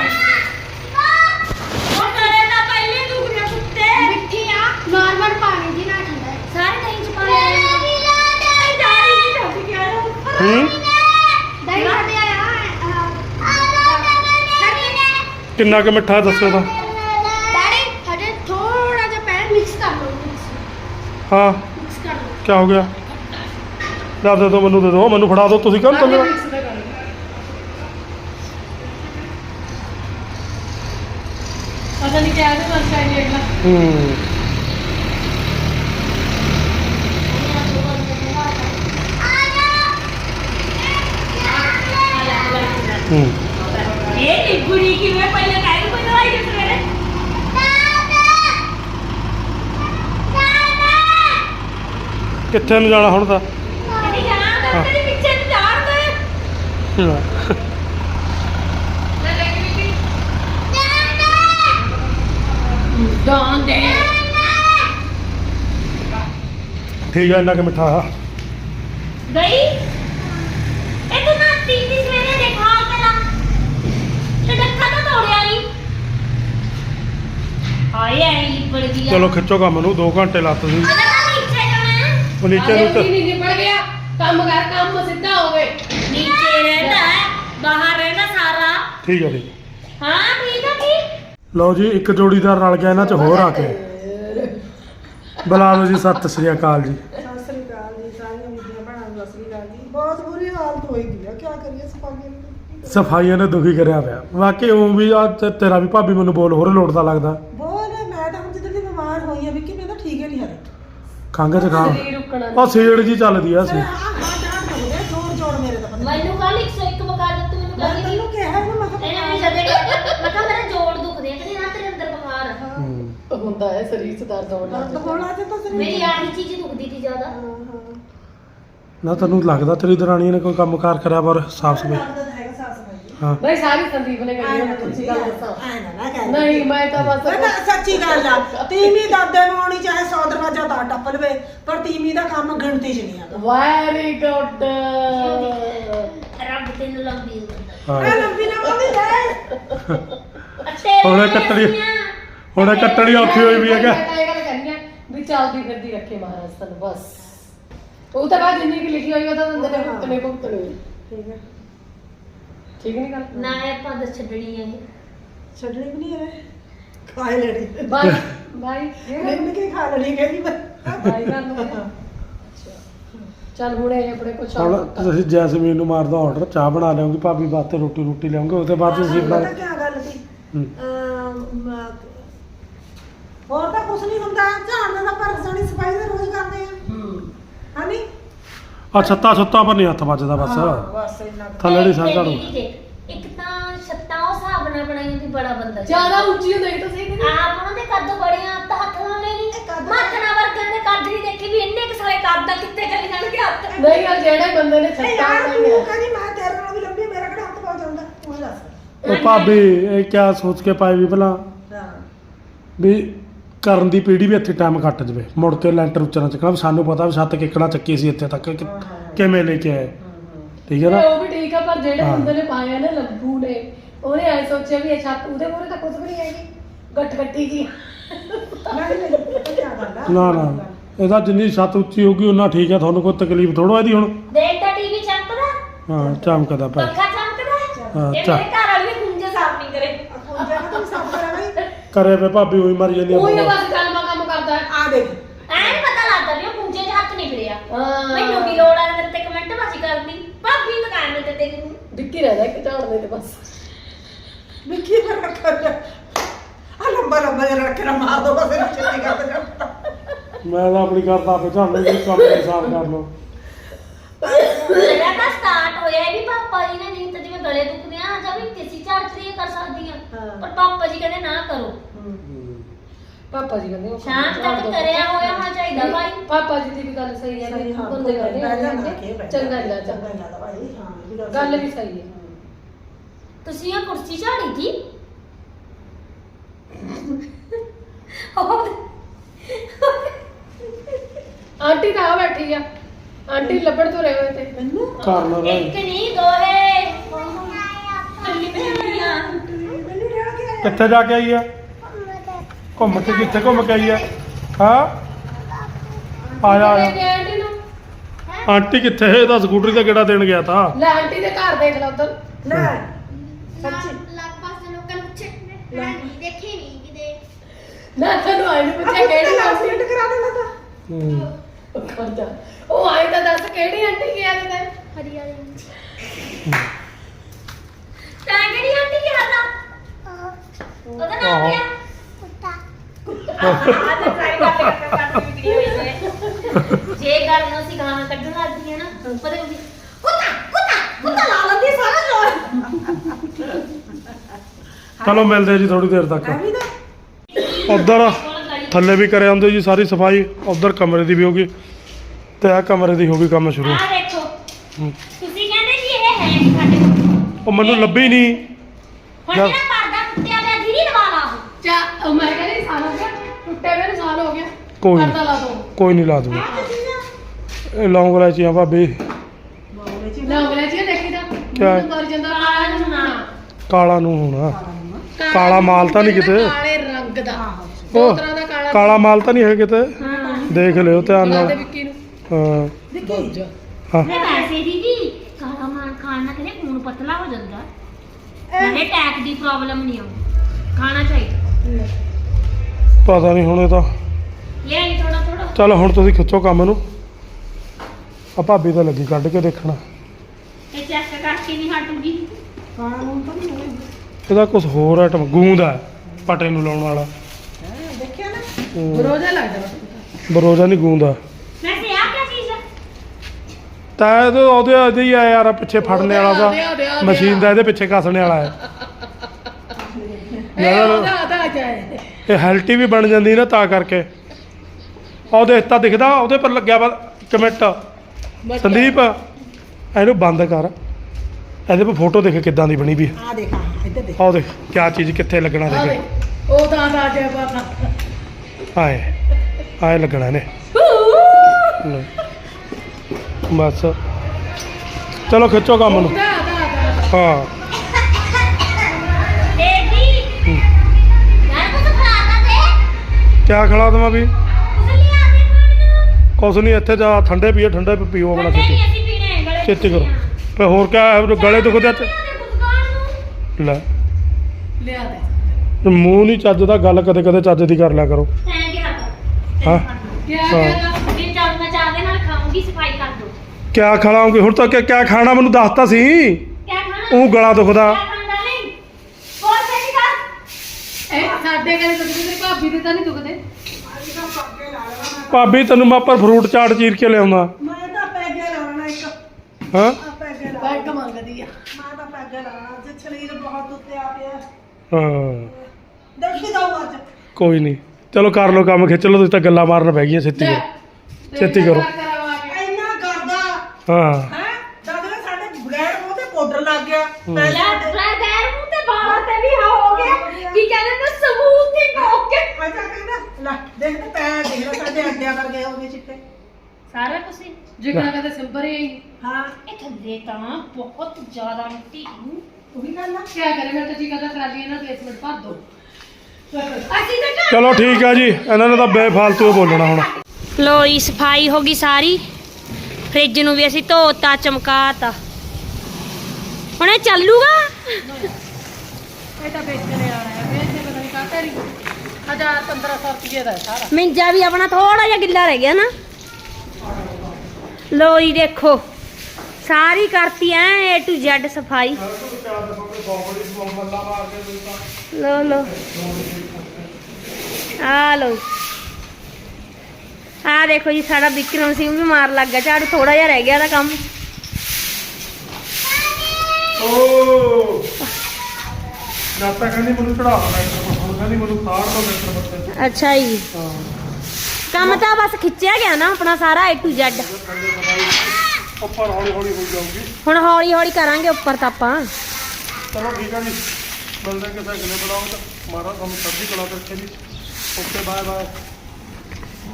Speaker 2: ਕਰੇ ਤਾਂ ਪਹਿਲੇ ਦੁਗਰੇ ਕੁੱਤੇ
Speaker 4: ਮਿੱਠੀ ਆ ਨਾਰਮਲ ਪਾਣੀ ਦੀ ਨਾ ਠੰਡਾ ਹੈ।
Speaker 2: ਸਾਰੇ ਦਹੀਂ ਚ ਪਾਣੀ ਡਾਰੀ ਨਹੀਂ ਟੱਪ ਗਿਆ
Speaker 1: ਹੂੰ
Speaker 4: ਦਹੀਂ ਸਾਡੇ ਆਇਆ
Speaker 1: ਕਿੰਨਾ ਕੁ ਮਿੱਠਾ ਦੱਸਿਓ ਤਾਂ
Speaker 4: डैडी हटे थोड़ा सा पैर मिक्स कर लो मिक्स
Speaker 1: ਹਾਂ
Speaker 4: कर लो
Speaker 1: ਕੀ ਹੋ ਗਿਆ ਲੈ ਦੇ ਦਿਓ ਮੈਨੂੰ ਫੜਾ ਦਿਓ ਤੁਸੀਂ ਕਿਉਂ ਚੱਲ
Speaker 3: ਮਿਕਸ ਤਾਂ ਕਰ ਪਤਾ ਨਹੀਂ ਕਿਆ ਇਹਦੇ ਨਾਲ ਚਾਹੀਏ ਅਗਲਾ
Speaker 1: ਹੂੰ ਹੂੰ
Speaker 2: ਇਹ ਨਿਗੁਰੀ ਕਿਵੇਂ ਪਹਿਲੇ ਕਾਇਰ ਕੋਈ ਦਵਾਈ ਦੇ ਸਵੇਰੇ
Speaker 1: ਕਿੱਥੇ ਨੂੰ ਜਾਣਾ ਹੁਣ ਤਾਂ
Speaker 2: ਕਿਹੜੀ ਜਾਣਾ ਤਾਂ ਤੇਰੇ ਪਿੱਛੇ ਨੂੰ ਜਾਣ ਦੇ
Speaker 3: ਡਾਂ ਦੇ
Speaker 1: ਠੀਕ ਹੈ ਇੰਨਾ ਕਿ ਮਿੱਠਾ ਆ
Speaker 2: ਗਈ ਇਹ ਤੂੰ ਨਾ ਤੀਜੀ ਸਵੇਰੇ ਦੇਖਾ ਕਰਾ ਤੇ ਡੱਕਾ ਤਾਂ ਤੋੜਿਆ ਨਹੀਂ ਹਾਏ ਐ ਲਿਪੜ ਗਿਆ
Speaker 1: ਚਲੋ ਖਿੱਚੋ ਕੰਮ ਨੂੰ 2 ਘੰਟੇ ਲੱਤ ਸੀ
Speaker 2: ਉਹਦਾ ਤਾਂ ਨੀਚੇ ਜਾਣਾ
Speaker 1: ਉਹ ਨੀਚੇ ਨੂੰ ਤੇ
Speaker 3: ਨਹੀਂ ਨਿਬੜ ਗਿਆ ਕੰਮ ਸਿੱਧਾ ਹੋਵੇ
Speaker 2: ਨੀਚੇ ਰਹਿੰਦਾ ਹੈ ਬਾਹਰ ਰਹਿੰਦਾ ਸਾਰਾ
Speaker 1: ਠੀਕ ਹੈ ਠੀਕ
Speaker 2: ਹਾਂ ਠੀਕ ਆ ਕੀ
Speaker 1: ਲਓ ਜੀ ਇੱਕ ਜੋੜੀਦਾਰ ਰਲ ਗਿਆ ਇਹਨਾਂ 'ਚ ਹੋਰ ਆ ਕੇ ਬੁਲਾ ਲਓ ਜੀ ਸਤਿ ਸ੍ਰੀ ਅਕਾਲ ਜੀ
Speaker 6: ਸਤਿ ਸ੍ਰੀ ਅਕਾਲ ਜੀ ਸਾਰੀਆਂ ਬੀਬੀਆਂ ਭੈਣਾਂ ਨੂੰ ਸਤਿ ਸ੍ਰੀ ਅਕਾਲ ਜੀ ਬਹੁਤ ਬੁਰੀ ਹਾਲਤ ਹੋਈ ਦੀ ਆ ਕੀ ਕਰੀਏ ਸਫਾਈਆਂ ਦੀ
Speaker 1: ਸਫਾਈਆਂ ਨੇ ਦੁਖੀ ਕਰਿਆ ਪਿਆ ਵਾਕਈ ਉਹ ਵੀ ਆ ਤੇਰਾ ਵੀ ਭਾਬੀ ਮੈਨੂੰ ਬੋਲ ਹੋਰ ਲੋੜਦਾ ਲੱਗਦਾ
Speaker 6: ਬੋਲ ਮੈਂ ਤਾਂ ਹੁਣ ਜਿੱਦਾਂ ਦੀ ਬਿਮਾਰ ਹੋਈ ਆ ਵਿੱਕੀ ਮੈਂ ਤਾਂ ਠੀਕ ਹੀ ਨਹੀਂ ਹਰੇ
Speaker 1: ਖੰਘ ਜ਼ੁਕਾਮ
Speaker 3: ਸਰੀਰ ਰੁਕਣਾ
Speaker 1: ਉਹ ਸੀੜ ਜੀ ਚੱਲਦੀ ਆ ਸੀ
Speaker 6: ਜੋੜ ਜੋੜ ਮੇਰੇ ਤਾਂ ਪਤਾ
Speaker 2: ਮੈਨੂੰ ਕੱਲ 101 ਬਕਾ ਦਿੱਤੀ ਮੈਨੂੰ
Speaker 6: ਮੈਂ
Speaker 2: ਕਹਿੰਦੀ
Speaker 6: ਤੈਨੂੰ ਕਿਹਾ ਨਾ ਮੈਂ
Speaker 2: ਇਹਨੇ
Speaker 6: ਕਿਹਾ
Speaker 2: ਮੈਨੂੰ ਜਦੇ ਮੈਂ ਕਿਹਾ ਮੇਰਾ ਜੋੜ ਦੁਖਦੇ ਆ ਕਹਿੰਦੀ ਨਾ ਤੇਰੇ ਅੰਦਰ ਬੁਖਾਰ ਆ
Speaker 1: ਹੂੰ।
Speaker 3: ਹੁੰਦਾ ਹੈ ਸਰੀਰ 'ਚ ਦਰਦ ਹੋਣ ਲੱਗ
Speaker 6: ਦਰਦ ਹੋਣਾ ਤੇ ਤਾਂ ਸਰੀਰ
Speaker 2: ਮੇਰੀ ਆਹੀ ਚੀਜ਼ ਦੁਖਦੀ ਸੀ ਜ਼ਿਆਦਾ
Speaker 1: ਨਾ ਤੈਨੂੰ ਲੱਗਦਾ ਤੇਰੀ ਦਰਾਣੀ ਨੇ ਕੋਈ ਕੰਮਕਾਰ ਕਰਿਆ ਪਰ ਸਾਫ ਸਫਾਈ
Speaker 6: ਲੱਗਦਾ ਤਾਂ ਹੈਗਾ ਸਾਸ ਸਫਾਈ
Speaker 1: ਹਾਂ
Speaker 3: ਨਹੀਂ ਸਾਰੀ ਸੰਦੀਪ ਨੇ ਕਰੀ ਹੈ ਤੁਸੀਂ ਗੱਲ ਦੱਸਾਂ
Speaker 6: ਐ ਨਾ ਕਹਿ
Speaker 3: ਨਹੀਂ ਮੈਂ ਤਾਂ ਬਸ
Speaker 6: ਮੈਂ ਤਾਂ ਸੱਚੀ ਗੱਲ ਆ ਤੀਵੀਂ ਦਾਦੇ ਨੂੰ ਆਉਣੀ ਚਾਹੇ 100 ਦਰਵਾਜ਼ਾ ਤਾਂ ਟੱਪ ਲਵੇ ਪਰ ਤੀਵੀਂ ਦਾ ਕੰਮ ਗਿਣਤੀ 'ਚ ਨਹੀਂ ਆਉਂਦਾ
Speaker 3: ਵੈਰੀ ਗੁੱਡ
Speaker 2: ਰੱਬ ਤੈਨੂੰ ਲੰਬੀ ਉਮਰ
Speaker 1: ਹਾਂ
Speaker 6: ਮੈਂ ਲੰਬੀ ਨਾ ਬੰਦੀ ਰਹਿ
Speaker 2: ਅੱਛੇ
Speaker 1: ਹੁਣੇ ਕੱਟੜੀ ਹੁਣੇ ਕੱਟੜੀ ਔਖੀ ਹੋਈ ਵੀ ਹੈ ਕਿ
Speaker 3: ਮੈਂ ਤਾਂ ਇਹ ਗੱਲ ਕਰਨੀ ਆ ਵੀ ਚੱਲਦੀ ਫਿਰਦੀ ਰੱਖੇ ਮਹਾਰਾਜ ਤੁਹਾਨੂੰ ਬਸ ਉਹ ਤਾਂ ਬਾਅਦ ਜਿੰਨੀ ਕਿ ਲਿਖੀ ਹੋਈ ਉਹ ਤਾਂ ਅੰਦਰ ਦੇ ਭੁਗਤਣੇ
Speaker 6: ਠੀਕ ਹੈ
Speaker 3: ਠੀਕ ਨਹੀਂ ਗੱਲ
Speaker 2: ਨਾ ਇਹ ਆਪਾਂ ਦੱਸ ਛੱਡਣੀ ਹੈ
Speaker 6: ਛੱਡਣੀ ਵੀ ਨਹੀਂ ਹੈ ਖਾਏ ਲੈਣੀ
Speaker 3: ਬਾਈ ਬਾਈ
Speaker 6: ਮੈਂ ਕਿ ਖਾ ਲੈਣੀ ਕਹਿੰਦੀ ਮੈਂ
Speaker 3: ਬਾਈ ਕਰ ਲਓ ਚੱਲ ਹੁਣੇ ਆਪਣੇ ਕੋਲ
Speaker 1: ਹੁਣ
Speaker 3: ਸ਼ਾਮ
Speaker 1: ਤੁਸੀਂ ਜੈਸਮੀਨ ਨੂੰ ਮਾਰਦਾ ਆਰਡਰ ਚਾਹ ਬਣਾ ਲਿਆਉਂਗੀ ਭਾਬੀ ਵਾਸਤੇ ਰੋਟੀ ਲਿਆਉਂਗੇ ਉਹਦੇ ਬਾਅਦ ਤੁਸੀਂ
Speaker 6: ਪਤਾ
Speaker 1: ਬਣਾ
Speaker 6: ਕੀ ਗੱਲ ਸੀ
Speaker 1: ਹੂੰ।
Speaker 6: ਹੋਰ ਤਾਂ ਕੁਝ ਨਹੀਂ ਹੁੰਦਾ ਝਾੜਨਾ ਤਾਂ ਪਰ ਸਾਡੀ ਸਫਾਈ ਦਾ ਰੋਜ਼ ਕਰਦੇ ਆ ਹਾਂਜੀ
Speaker 1: ਆ ਛੱਤਾ ਸੁੱਤਾ ਪਰ ਨਹੀਂ ਹੱਥ ਵੱਜਦਾ ਬਸ
Speaker 6: ਬਸ ਇੰਨਾ ਕੁ।
Speaker 1: ਥੱਲੇ ਦੀ ਸਾਰ ਝਾੜੂ
Speaker 2: ਇੱਕ ਤਾਂ ਛੱਤਾਂ ਉਹ ਹਿਸਾਬ ਨਾਲ ਬਣਾਈ ਹੁੰਦੀ ਬੜਾ ਬੰਦਾ
Speaker 3: ਜ਼ਿਆਦਾ ਉੱਚੀ ਹੁੰਦੀ ਤਾਂ ਸਹੀ ਨਹੀਂ
Speaker 2: ਆਪ ਉਹਨਾਂ ਦੇ ਕੱਦ ਬੜੇ ਆ ਤਾਂ ਹੱਥ ਨਾਲ ਨਹੀਂ ਮਾਥਣਾ ਵਰਗਾਂ ਦੇ ਕੱਦ ਵੀ ਦੇਖੀ ਵੀ ਇੰਨੇ ਕੁ ਸਾਲੇ ਕੱਦ ਆ ਕਿੱਥੇ ਚਲੇ ਜਾਣਗੇ ਹੱਥ
Speaker 3: ਨਹੀਂ ਆ ਜਿਹੜੇ ਬੰਦੇ ਨੇ
Speaker 6: ਨਹੀਂ
Speaker 3: ਛੱਤਾਂ
Speaker 6: ਯਾਰ
Speaker 3: ਬਣਾਈਆਂ
Speaker 6: ਤੂੰ ਕਹਿੰਦੀ ਮੈਂ ਤੇਰੇ ਨਾਲ ਵੀ ਲੰਬੀ ਮੇਰਾ ਕਿਹੜਾ ਹੱਥ ਪਹੁੰਚ ਜਾਂਦਾ ਤੂੰ ਹੀ ਦੱਸ
Speaker 1: ਉਹ ਭਾਬੀ ਇਹ ਕਿਆ ਸੋਚ ਕੇ ਪਾਈ ਵੀ ਭਲਾ
Speaker 6: ਹਾਂ
Speaker 1: ਵੀ ਕਰਨ ਦੀ ਪੀੜੀ ਵੀ ਇੱਥੇ ਟਾਈਮ ਕੱਟ ਜਵੇ ਮੁੜ ਕੇ ਲੈਂਟਰ ਉੱਚਾ ਚੱਕਣਾ ਵੀ ਸਾਨੂੰ ਪਤਾ ਵੀ ਛੱਤ ਕਿੱਕਣਾ ਚੱਕੀ ਸੀ ਇੱਥੇ ਤੱਕ ਕਿਵੇਂ ਲੈ ਕੇ ਆਏ ਠੀਕ ਹੈ ਨਾ
Speaker 3: ਉਹ ਵੀ ਠੀਕ ਆ ਪਰ ਜਿਹੜੇ
Speaker 1: ਹਾਂ।
Speaker 3: ਬੰਦੇ ਨੇ ਪਾਇਆ ਨਾ ਲੱਭੂ ਨੇ ਉਹਨੇ ਐ ਸੋਚਿਆ ਵੀ ਇਹ ਛੱਤ ਉਹਦੇ ਮੂਹਰੇ ਤਾਂ ਕੁਝ ਵੀ ਨਹੀਂ ਹੈਗੀ ਗੱਟ ਗੱਟੀ ਜੀ
Speaker 6: ਨਹੀਂ ਪਤਾ ਕੀ ਗੱਲ ਆ
Speaker 1: ਨਾ ਇਹਦਾ ਜਿੰਨੀ ਛੱਤ ਉੱਚੀ ਹੋਊਗੀ ਉਨਾ ਠੀਕ ਹੈ ਤੁਹਾਨੂੰ ਕੋਈ ਤਕਲੀਫ ਥੋੜੋ ਇਹਦੀ ਹੁਣ
Speaker 2: ਦੇਖ ਤਾਂ ਟੀਵੀ ਚਮਕਦਾ
Speaker 1: ਹਾਂ ਚਮਕਦਾ ਭਾਈ
Speaker 2: ਪੱਖਾ ਚਮਕਦਾ
Speaker 1: ਹਾਂ,
Speaker 2: ਇਹ
Speaker 1: ਚੱਲ।
Speaker 2: ਮੇਰੇ ਘਰ ਵਾਲੀ ਵੀ ਖੁੰਝੇ ਸਾਫ ਨਹੀਂ ਕਰੇ
Speaker 6: ਹੁਣ ਜੇ ਤੂੰ ਸਭ ਕਰਾਂ ਬਈ
Speaker 1: ਕਰੇ ਵੇ ਭਾਬੀ ਉਹੀ ਮਰ ਜਾਂਦੀ
Speaker 3: ਉਹੀ
Speaker 1: ਆ
Speaker 3: ਬਸ ਕਲਮਾ ਕੰਮ ਕਰਦਾ ਹੈ।
Speaker 6: ਆ ਦੇਖ
Speaker 2: ਐਂ ਨੀ ਪਤਾ ਲੱਗਦਾ ਵੀ ਉਹ ਖੁੰਝੇ 'ਚ ਹੱਥ ਨਹੀਂ ਫਿਰਿਆ
Speaker 3: ਹਾਂ
Speaker 2: ਮੈਨੂੰ ਕੀ ਲੋੜ ਆ ਮੇਰੇ ਤੇ ਕਮੈਂਟ ਬਾਜੀ ਕਰਦੀ ਭਾਬੀ ਨੂੰ ਕਹਿਣ ਦੇ ਤੇ ਤੈਨੂੰ
Speaker 3: ਡਿੱਕੀ ਰਹਿੰਦਾ ਇੱਕ ਝਾੜਦੇ ਤੇ ਬਸ
Speaker 6: ਵਿੱਕੀ ਪਰ ਰੱਖ ਆ ਲੰਬਾ ਜਿਹਾ ਰੱਖ ਕੇ ਨਾ ਮਾਰ ਦੋ ਬਸ ਇਹ ਛੇਤੀ ਕਰ ਦੇ
Speaker 1: ਮੈਂ ਤਾਂ ਆਪਣੀ ਕਰਦਾ ਆਪੇ ਝਾੜਨੇ ਦੀ ਕੰਮ ਦੇ ਹਿਸਾਬ ਕਰ ਲਓ
Speaker 2: ਮੇਰਾ ਤਾਂ ਸਟਾਰਟ ਹੋਇਆ ਇਹ ਵੀ ਪਾਪਾ ਜੀ ਨੇ ਨਹੀਂ ਤਾਂ ਜਿਵੇਂ ਗਲੇ ਦੁਖਦੇ ਆ ਜਾਂ ਵੀ ਕਿਸੇ ਝਾੜ ਚਰੀ ਕਰ ਸਕਦੀ ਆ
Speaker 6: ਹਾਂ।
Speaker 2: ਪਰ ਪਾਪਾ ਜੀ ਕਹਿੰਦੇ ਨਾ ਕਰੋ
Speaker 3: ਪਾਪਾ ਜੀ ਕਹਿੰਦੇ ਉਹ
Speaker 2: ਸ਼ਾਮ ਤੱਕ ਕਰਿਆ ਹੋਇਆ ਹੋਣਾ ਚਾਹੀਦਾ ਭਾਈ
Speaker 3: ਪਾਪਾ ਜੀ ਦੀ ਵੀ ਗੱਲ ਸਹੀ ਹੈ
Speaker 6: ਸਹੀ ਹਾਂ
Speaker 3: ਬੰਦੇ
Speaker 6: ਬਹਿ ਜਾਣਾ
Speaker 3: ਕਹਿੰਦੇ
Speaker 6: ਕੇ
Speaker 3: ਚੰਗਾ ਨਹੀਂ
Speaker 6: ਚੰਗਾ
Speaker 3: ਲੱਗਦਾ
Speaker 6: ਨਹੀਂ ਲੱਗਦਾ ਭਾਈ ਹਾਂ ਇਹ ਵੀ
Speaker 3: ਗੱਲ ਵੀ ਸਹੀ ਹੈ
Speaker 2: ਤੁਸੀਂ ਇਹ ਕੁਰਸੀ ਝਾੜੀ ਸੀ
Speaker 3: ਆਂਟੀ ਤਾਂ ਆ ਬੈਠੀ ਆ ਆਂਟੀ ਲੱਭਣ ਤੋਂ ਰਹੇ ਹੋਏ ਤੇ
Speaker 6: ਮੈਨੂੰ
Speaker 1: ਕਰਨਾ ਭਾਈ
Speaker 2: ਇੱਕ ਨਹੀਂ ਦੋ ਹੈ ਕੱਲੀ ਮੇਰੀਆਂ
Speaker 6: ਮੈਨੂੰ ਰਹਿ ਕੇ ਆਇਆ
Speaker 1: ਕਿੱਥੇ ਜਾ ਕੇ ਆਈ ਆ ਘੁੰਮ ਕੇ ਕਿੱਥੇ ਘੁੰਮ ਕੇ ਆਈ ਆ ਹਾਂ ਆਇਆ
Speaker 3: ਆਂਟੀ ਨੂੰ
Speaker 1: ਆਂਟੀ ਕਿੱਥੇ ਹੈ ਇਹਦਾ ਸਕੂਟਰੀ ਦਾ ਗੇੜਾ ਦੇਣ ਗਿਆ ਤਾਂ
Speaker 3: ਲੈ ਆਂਟੀ ਦੇ ਘਰ ਦੇਖ ਲਾ ਉਧਰ
Speaker 6: ਲੈ ਸੱਚੀ
Speaker 4: ਲੱਗ ਪਾਸੇ ਲੋਕਾਂ ਨੂੰ
Speaker 2: ਦੇਖੀ ਨਹੀਂ ਕਿਤੇ
Speaker 3: ਨਾ ਤੈਨੂੰ ਆਈ ਨੂੰ ਪੁੱਛਿਆ ਕਿਹੜੀ ਆਂਟੀ
Speaker 6: ਐਕਸੀਡੈਂਟ ਕਰਾ ਦੇਣਾ ਤਾਂ
Speaker 1: ਹੂੰ
Speaker 3: ਖਰਚਾ ਉਹ ਆਈ ਤਾਂ ਦੱਸ ਕਿਹੜੀ ਆਂਟੀ ਕਿਹਾ ਤੇ
Speaker 2: ਹਰੀ ਵਾਲੀ ਤਾਂ ਕਿਹੜੀ ਆਂਟੀ ਕੀ ਹਾਲਾ ਉਹਦਾ ਨਾਮ
Speaker 1: ਆਹੋ।
Speaker 2: ਕੀ ਆ ਅੱਜ ਟਰਾਈ ਕਰ ਵਿਗੜੀ ਹੋਈ ਹੈ ਜੇ ਗੱਲ ਨੂੰ ਅਸੀਂ ਗਾਣਾ ਕੱਢਣ ਲੱਗਦੀ ਹੈ ਨਾ ਪਤਾ ਨਹੀਂ ਕੁੱਤਾ ਕੁੱਤਾ ਕੁੱਤਾ ਲਾ ਲੈਂਦੀ ਹੈ ਸਾਰਾ ਜੋਰ
Speaker 1: ਚਲੋ ਮਿਲਦੇ ਜੀ ਥੋੜੀ ਦੇਰ ਤੱਕ
Speaker 6: ਐਵੇਂ ਤਾਂ
Speaker 1: ਉਧਰ ਥੱਲੇ ਵੀ ਕਰਿਆ ਹੁੰਦੇ ਜੀ ਸਾਰੀ ਸਫਾਈ ਉਧਰ ਕਮਰੇ ਦੀ ਵੀ ਹੋ ਗਈ ਤੇ ਆ ਕਮਰੇ ਦੀ ਹੋ ਗਈ ਕੰਮ ਸ਼ੁਰੂ
Speaker 2: ਆਹ ਦੇਖੋ
Speaker 1: ਹੂੰ।
Speaker 2: ਤੁਸੀਂ ਕਹਿੰਦੇ ਜੀ ਇਹ ਹੈ ਨਹੀਂ ਸਾਡੇ ਕੋਲ
Speaker 1: ਉਹ ਮੈਨੂੰ ਲੱਭੀ ਨਹੀਂ
Speaker 2: ਹੁਣ ਜਿਹੜਾ ਪਰਦਾ ਟੁੱਟਿਆ ਪਿਆ ਧੀਰੀ ਲਵਾ ਲਾ ਉਹ
Speaker 3: ਚਾ ਉਹ ਮੈਂ ਕਹਿੰਦੀ ਸਾਲ ਹੋ ਗਿਆ ਟੁੱਟੇ ਮੇਰੇ ਸਾਲ ਹੋ ਗਿਆ
Speaker 1: ਕੋਈ ਨੀ।
Speaker 3: ਪਰਦਾ ਲਾ ਦੋ
Speaker 1: ਕੋਈ ਨਹੀਂ ਲਾ ਦੂੰਗਾ ਇਹ ਲੌਂਗ ਇਲਾਇਚੀਆਂ ਭਾਬੀ
Speaker 3: ਨਾ ਬਲੇ ਜੀ ਦੇਖੀ ਤਾਂ
Speaker 1: ਕਿਆ?
Speaker 3: ਮਰ ਜਾਂਦਾ
Speaker 2: ਕਾਲਾ ਨੂੰ ਨਾ
Speaker 1: ਕਾਲਾ ਨੂੰ ਹੋਣਾ ਕਾਲਾ ਮਾਲ ਤਾਂ ਨਹੀਂ ਕਿਤੇ
Speaker 3: ਕਾਲੇ ਰੰਗ ਦਾ ਦੋ
Speaker 1: ਉਹ
Speaker 3: ਤਰ੍ਹਾਂ ਦਾ ਕਾਲਾ
Speaker 1: ਕਾਲਾ ਮਾਲ ਤਾਂ ਨਹੀਂ ਹੈ ਕਿਤੇ ਦੇਖ ਲਿਓ ਧਿਆਨ
Speaker 3: ਲਾ
Speaker 1: ਨਾਲ
Speaker 3: ਦੇ ਵਿੱਕੀ ਨੂੰ
Speaker 1: ਹਾਂ
Speaker 3: ਬੁੱਝ
Speaker 1: ਹਾਂ
Speaker 2: ਮੈਂ ਵੈਸੇ ਦੀਦੀ ਕਾਲਾ ਮਾਨ ਖਾਣ ਨਾਲ ਕਹਿੰਦੇ ਖੂਨ ਪਤਲਾ ਹੋ ਜਾਂਦਾ ਨਾਲੇ ਟੈਕ ਦੀ ਪ੍ਰੋਬਲਮ ਨਹੀਂ ਆਉਂਦੀ ਖਾਣਾ ਚਾਹੀਦਾ
Speaker 1: ਪਤਾ ਨਹੀਂ ਹੁਣ ਇਹ ਤਾਂ
Speaker 2: ਲੈ ਆਈ ਥੋੜਾ ਥੋੜਾ
Speaker 1: ਚਲ ਹੁਣ ਤੁਸੀਂ ਖਿੱਚੋ ਕੰਮ ਨੂੰ ਆ ਭਾਬੀ ਤਾਂ ਲੱਗੀ ਕੱਢ ਕੇ ਦੇਖਣਾ
Speaker 2: ਇਹ ਚੈੱਕ ਕਰਕੇ ਨਹੀਂ ਹਟੂਗੀ
Speaker 6: ਖਾਣਾ ਨੂੰ ਤਾਂ ਨਹੀਂ ਹੋਣਾ
Speaker 1: ਇਹਦਾ ਕੁਝ ਹੋਰ ਆਈਟਮ ਗੂੰਦ ਹੈ ਪਟੇ ਨੂੰ ਲਾਉਣ ਵਾਲਾ
Speaker 6: ਦੇਖਿਆ ਨਾ
Speaker 3: ਰੋਜ਼ਾ ਲੱਗਦਾ ਬਸ
Speaker 1: ਬਰੋਜਾ ਨਹੀਂ ਗੂੰਦ ਆ
Speaker 2: ਵੈਸੇ ਆ ਕੀ ਚੀਜ਼ ਆ
Speaker 1: ਤਾਂ ਉਹਦੇ ਹੀ ਆ ਯਾਰ ਪਿੱਛੇ ਫੜਨੇ ਵਾਲਾ ਦਾ ਮਸ਼ੀਨ ਦਾ ਇਹਦੇ ਪਿੱਛੇ ਕੱਸਣੇ ਵਾਲਾ ਹੈ
Speaker 3: ਇਹ ਉਹਦਾ ਆਦਾ ਜਾਏ
Speaker 1: ਇਹ ਹੈਲਟੀ ਵੀ ਬਣ ਜਾਂਦੀ ਨਾ ਤਾਂ ਕਰਕੇ ਉਹਦੇ ਤਾਂ ਦਿਖਦਾ ਉਹਦੇ ਪਰ ਲੱਗਿਆ ਵਾ ਕਮੈਂਟ ਸੰਦੀਪ ਇਹਨੂੰ ਬੰਦ ਕਰ ਇਹਦੇ ਪਰ ਫੋਟੋ ਦੇਖ ਕਿੱਦਾਂ ਦੀ ਬਣੀ ਵੀ
Speaker 6: ਆ ਦੇਖ ਇੱਧਰ ਦੇਖ
Speaker 1: ਆਹ ਦੇਖ ਕਿਆ ਚੀਜ਼ ਕਿੱਥੇ ਲੱਗਣਾ
Speaker 3: ਆ
Speaker 1: ਦੇਖ
Speaker 3: ਦੇ ਉਹ ਤਾਂ ਆਦਾ ਜਾਏ ਬਾਬਾ
Speaker 1: ਆਏ ਲੱਗਣਾ ਨੇ ਬਸ ਚਲੋ ਖਿੱਚੋ ਕੰਮ ਨੂੰ
Speaker 3: ਉਹਦਾ ਆਦਾ
Speaker 1: ਹਾਂ
Speaker 2: ਦੇਦੀ
Speaker 1: ਹੂੰ।
Speaker 2: ਯਾਰ ਕੁਝ ਖਲਾਤਾ ਤੇ
Speaker 1: ਕਿਆ ਖਿਲਾ ਦੇਵਾਂ ਵੀ
Speaker 2: ਕੁਝ ਲਿਆ ਦੇ ਖਾਣ ਨੂੰ
Speaker 1: ਕੁਛ ਨਹੀਂ ਇੱਥੇ ਜਾ ਠੰਡੇ ਪੀਓ ਆਪਣਾ
Speaker 2: ਠੰਡੇ
Speaker 1: ਛੇਤੀ
Speaker 2: ਨਹੀਂ ਅਸੀਂ ਪੀਣੇ ਗਲੇ
Speaker 1: ਛੇਤੀ ਕਰੋ ਤੇ ਹੋਰ ਕਿਆ ਗਲੇ ਦੁਖਦੇ ਤੇ
Speaker 2: ਕੁਝ ਖਾਣ ਨੂੰ
Speaker 1: ਲੈ
Speaker 3: ਲਿਆ ਦੇ
Speaker 1: ਮੂੰਹ ਨਹੀਂ ਚੱਜਦਾ ਗੱਲ ਕਦੇ ਕਦੇ ਚੱਜ ਦੀ ਕਰ ਲਿਆ ਕਰੋ
Speaker 2: ਤੈਂ ਕੀ ਹੱਥ
Speaker 1: ਹਾਂ।
Speaker 3: ਕਿਆ
Speaker 1: ਹਾਂ।
Speaker 3: ਕਿਆ
Speaker 2: ਜੇ ਚੱਲ ਮੈਂ ਚਾਹ ਦੇ ਨਾਲ ਖਾਊਂਗੀ ਸਫਾਈ ਕਰ ਦੋ
Speaker 1: ਕਿਆ ਖਿਲਾਉਂਗੇ ਹੁਣ ਤਾਂ ਕਿਆ ਖਾਣਾ ਮੈਨੂੰ ਦੱਸਤਾ ਸੀ
Speaker 2: ਕਿਆ ਖਾਣਾ
Speaker 1: ਉਹ ਗਲਾ ਦੁਖਦਾ
Speaker 2: ਕਿਆ ਖਾਂਦਾ ਨਹੀਂ ਹੋਰ ਸਹੀ ਕਰ
Speaker 3: ਇਹ ਸਾਡੇ ਘਰੇ ਤਾਂ ਤੇਰੀ ਭਾਬੀ ਦੇ ਤਾਂ ਨਹੀਂ ਦੁਖਦੇ
Speaker 1: ਭਾਬੀ ਤੈਨੂੰ ਮੈਂ ਪਰ ਫਰੂਟ ਚਾਟ ਚੀਰ ਕੇ ਲਿਆਉਂਦਾ
Speaker 6: ਮੈਂ ਤਾਂ ਪੈਗੇ ਲਾਉਣਾ ਇੱਕ
Speaker 1: ਹਾਂ
Speaker 6: ਆ ਪੈਗੇ ਲਾ
Speaker 3: ਬੈਂਕ ਮੰਗਦੀ ਆ
Speaker 6: ਮੈਂ ਤਾਂ ਪੈਗੇ ਲਾਉਣਾ ਜੇ ਸਰੀਰ ਬਹੁਤ ਉੱਤੇ ਆ ਪਿਆ
Speaker 1: ਹਾਂ
Speaker 6: ਦੇਖੀ ਜਾਓ ਅੱਜ
Speaker 1: ਕੋਈ ਨਹੀਂ ਚਲੋ ਕਰ ਲਓ ਕੰਮ ਖਿੱਚ ਲਓ ਤੁਸੀਂ ਤਾਂ ਗੱਲਾਂ ਮਾਰਨ ਬਹਿ ਗਈਆਂ ਛੇਤੀ ਕਰੋ ਛੇਤੀ ਕਰੋ
Speaker 6: ਇੰਨਾ ਕਰਦਾ
Speaker 1: ਹਾਂ
Speaker 6: ਹੈ ਦਾਦਾ ਸਾਡੇ ਬਗੈਰ ਮੂੰਹ ਤੇ ਪਾਊਡਰ ਲੱਗ ਗਿਆ
Speaker 1: ਹੂੰ।
Speaker 6: ਪਹਿਲਾਂ
Speaker 2: ਗੈਰ ਮੂੰਹ ਤੇ ਬਾਹਰ ਤੇ ਵੀ ਹੋ ਗਿਆ ਕੀ ਕਹਿੰਦੇ ਨੇ ਸਮੂਥਿੰਗ ਹੋ ਕੇ
Speaker 6: ਅੱਛਾ ਕਹਿੰਦਾ ਲੈ ਦੇਖ ਤੇ ਪੈਰ ਦੇਖ ਲੈ ਸਾਡੇ ਅੰਡਿਆਂ ਵਰਗੇ ਹੋ ਗਏ ਚਿੱਟੇ
Speaker 2: ਸਾਰਾ ਕੁਝ
Speaker 3: ਜਿਗਣਾ ਕਦੇ ਸਿੰਬਰ ਹੀ
Speaker 6: ਹਾਂ
Speaker 2: ਇਹ ਥੱਲੇ ਤਾਂ ਬਹੁਤ ਜ਼ਿਆਦਾ ਮਿੱਟੀ
Speaker 6: ਉਹੀ ਗੱਲ ਆ
Speaker 3: ਕਿਆ ਕਰੇ ਮੈਂ ਤਾਂ ਜੀ ਕਦਾ ਟਰਾਲੀ ਇਹਨਾਂ ਬੇਸਮੈਂਟ ਭਰ ਦੋ
Speaker 2: ਅਸੀਂ ਤਾਂ
Speaker 1: ਚਲੋ ਠੀਕ ਆ ਜੀ ਇਹਨਾਂ ਨੇ ਤਾਂ ਬੇਫਾਲਤੂ ਬੋਲਣਾ ਹੁਣ
Speaker 2: ਲੋ ਜੀ ਸਫਾਈ ਹੋ ਗਈ ਸਾਰੀ ਫ੍ਰਿਜ ਨੂੰ ਵੀ ਅਸੀਂ ਧੋਤਾ ਚਮਕਾਤਾ ਹੁਣ ਇਹ ਚੱਲੂਗਾ
Speaker 3: ਇਹ ਤਾਂ ਵੇਚਣੇ ਵਾਲਾ ਹੈ ਵੇਚਦੇ ਪਤਾ ਨਹੀਂ ਕਾਹਤੇ ਨਹੀਂ 1000-1500 ਰੁਪਏ ਦਾ ਹੈ ਸਾਰਾ
Speaker 2: ਮਿੰਜਾ ਵੀ ਆਪਣਾ ਥੋੜਾ ਜਿਹਾ ਗਿੱਲਾ ਰਹਿ ਗਿਆ ਨਾ ਲੋ ਜੀ ਦੇਖੋ ਸਾਰੀ ਕਰਤੀ ਐ A to Z ਸਫਾਈ ਲੋ ਲੋ ਆ ਲੋ ਆ ਦੇਖੋ ਜੀ ਸਾਡਾ ਵਿਕਰਮ ਸਿੰਘ ਵੀ ਮਾਰ ਲੱਗ ਗਿਆ ਝਾੜੂ ਥੋੜਾ ਜਿਹਾ ਰਹਿ ਗਿਆ ਦਾ ਕੰਮ
Speaker 1: ਓ ਨਾਤਾ ਕਹਿੰਦੀ ਮੈਨੂੰ ਚੜਾ ਦੋ ਲੈਟਰ ਹੁਣ ਕਹਿੰਦੀ ਮੈਨੂੰ ਤਾਰ ਦੋ ਲੈਟਰ ਬੱਤੇ
Speaker 2: ਅੱਛਾ ਜੀ
Speaker 1: ਹਾਂ
Speaker 2: ਕੰਮ ਤਾਂ ਬਸ ਖਿੱਚਿਆ ਗਿਆ ਨਾ ਆਪਣਾ ਸਾਰਾ A to Z
Speaker 1: ਉੱਪਰ ਹੌਲੀ ਹੌਲੀ ਹੋ ਜਾਊਗੀ
Speaker 2: ਹੁਣ ਹੌਲੀ ਹੌਲੀ ਕਰਾਂਗੇ ਉੱਪਰ ਤਾਂ ਆਪਾਂ
Speaker 1: ਚਲੋ ਠੀਕ ਆ ਜੀ ਮਿਲਦੇ ਕਿਸੇ ਅਗਲੇ ਬਲੌਗ 'ਚ ਮਾਰਾ ਤੁਹਾਨੂੰ ਸਬਜ਼ੀ ਕਲਾ ਕਰਕੇ ਜੀ ਓਕੇ ਬਾਏ ਬਾਏ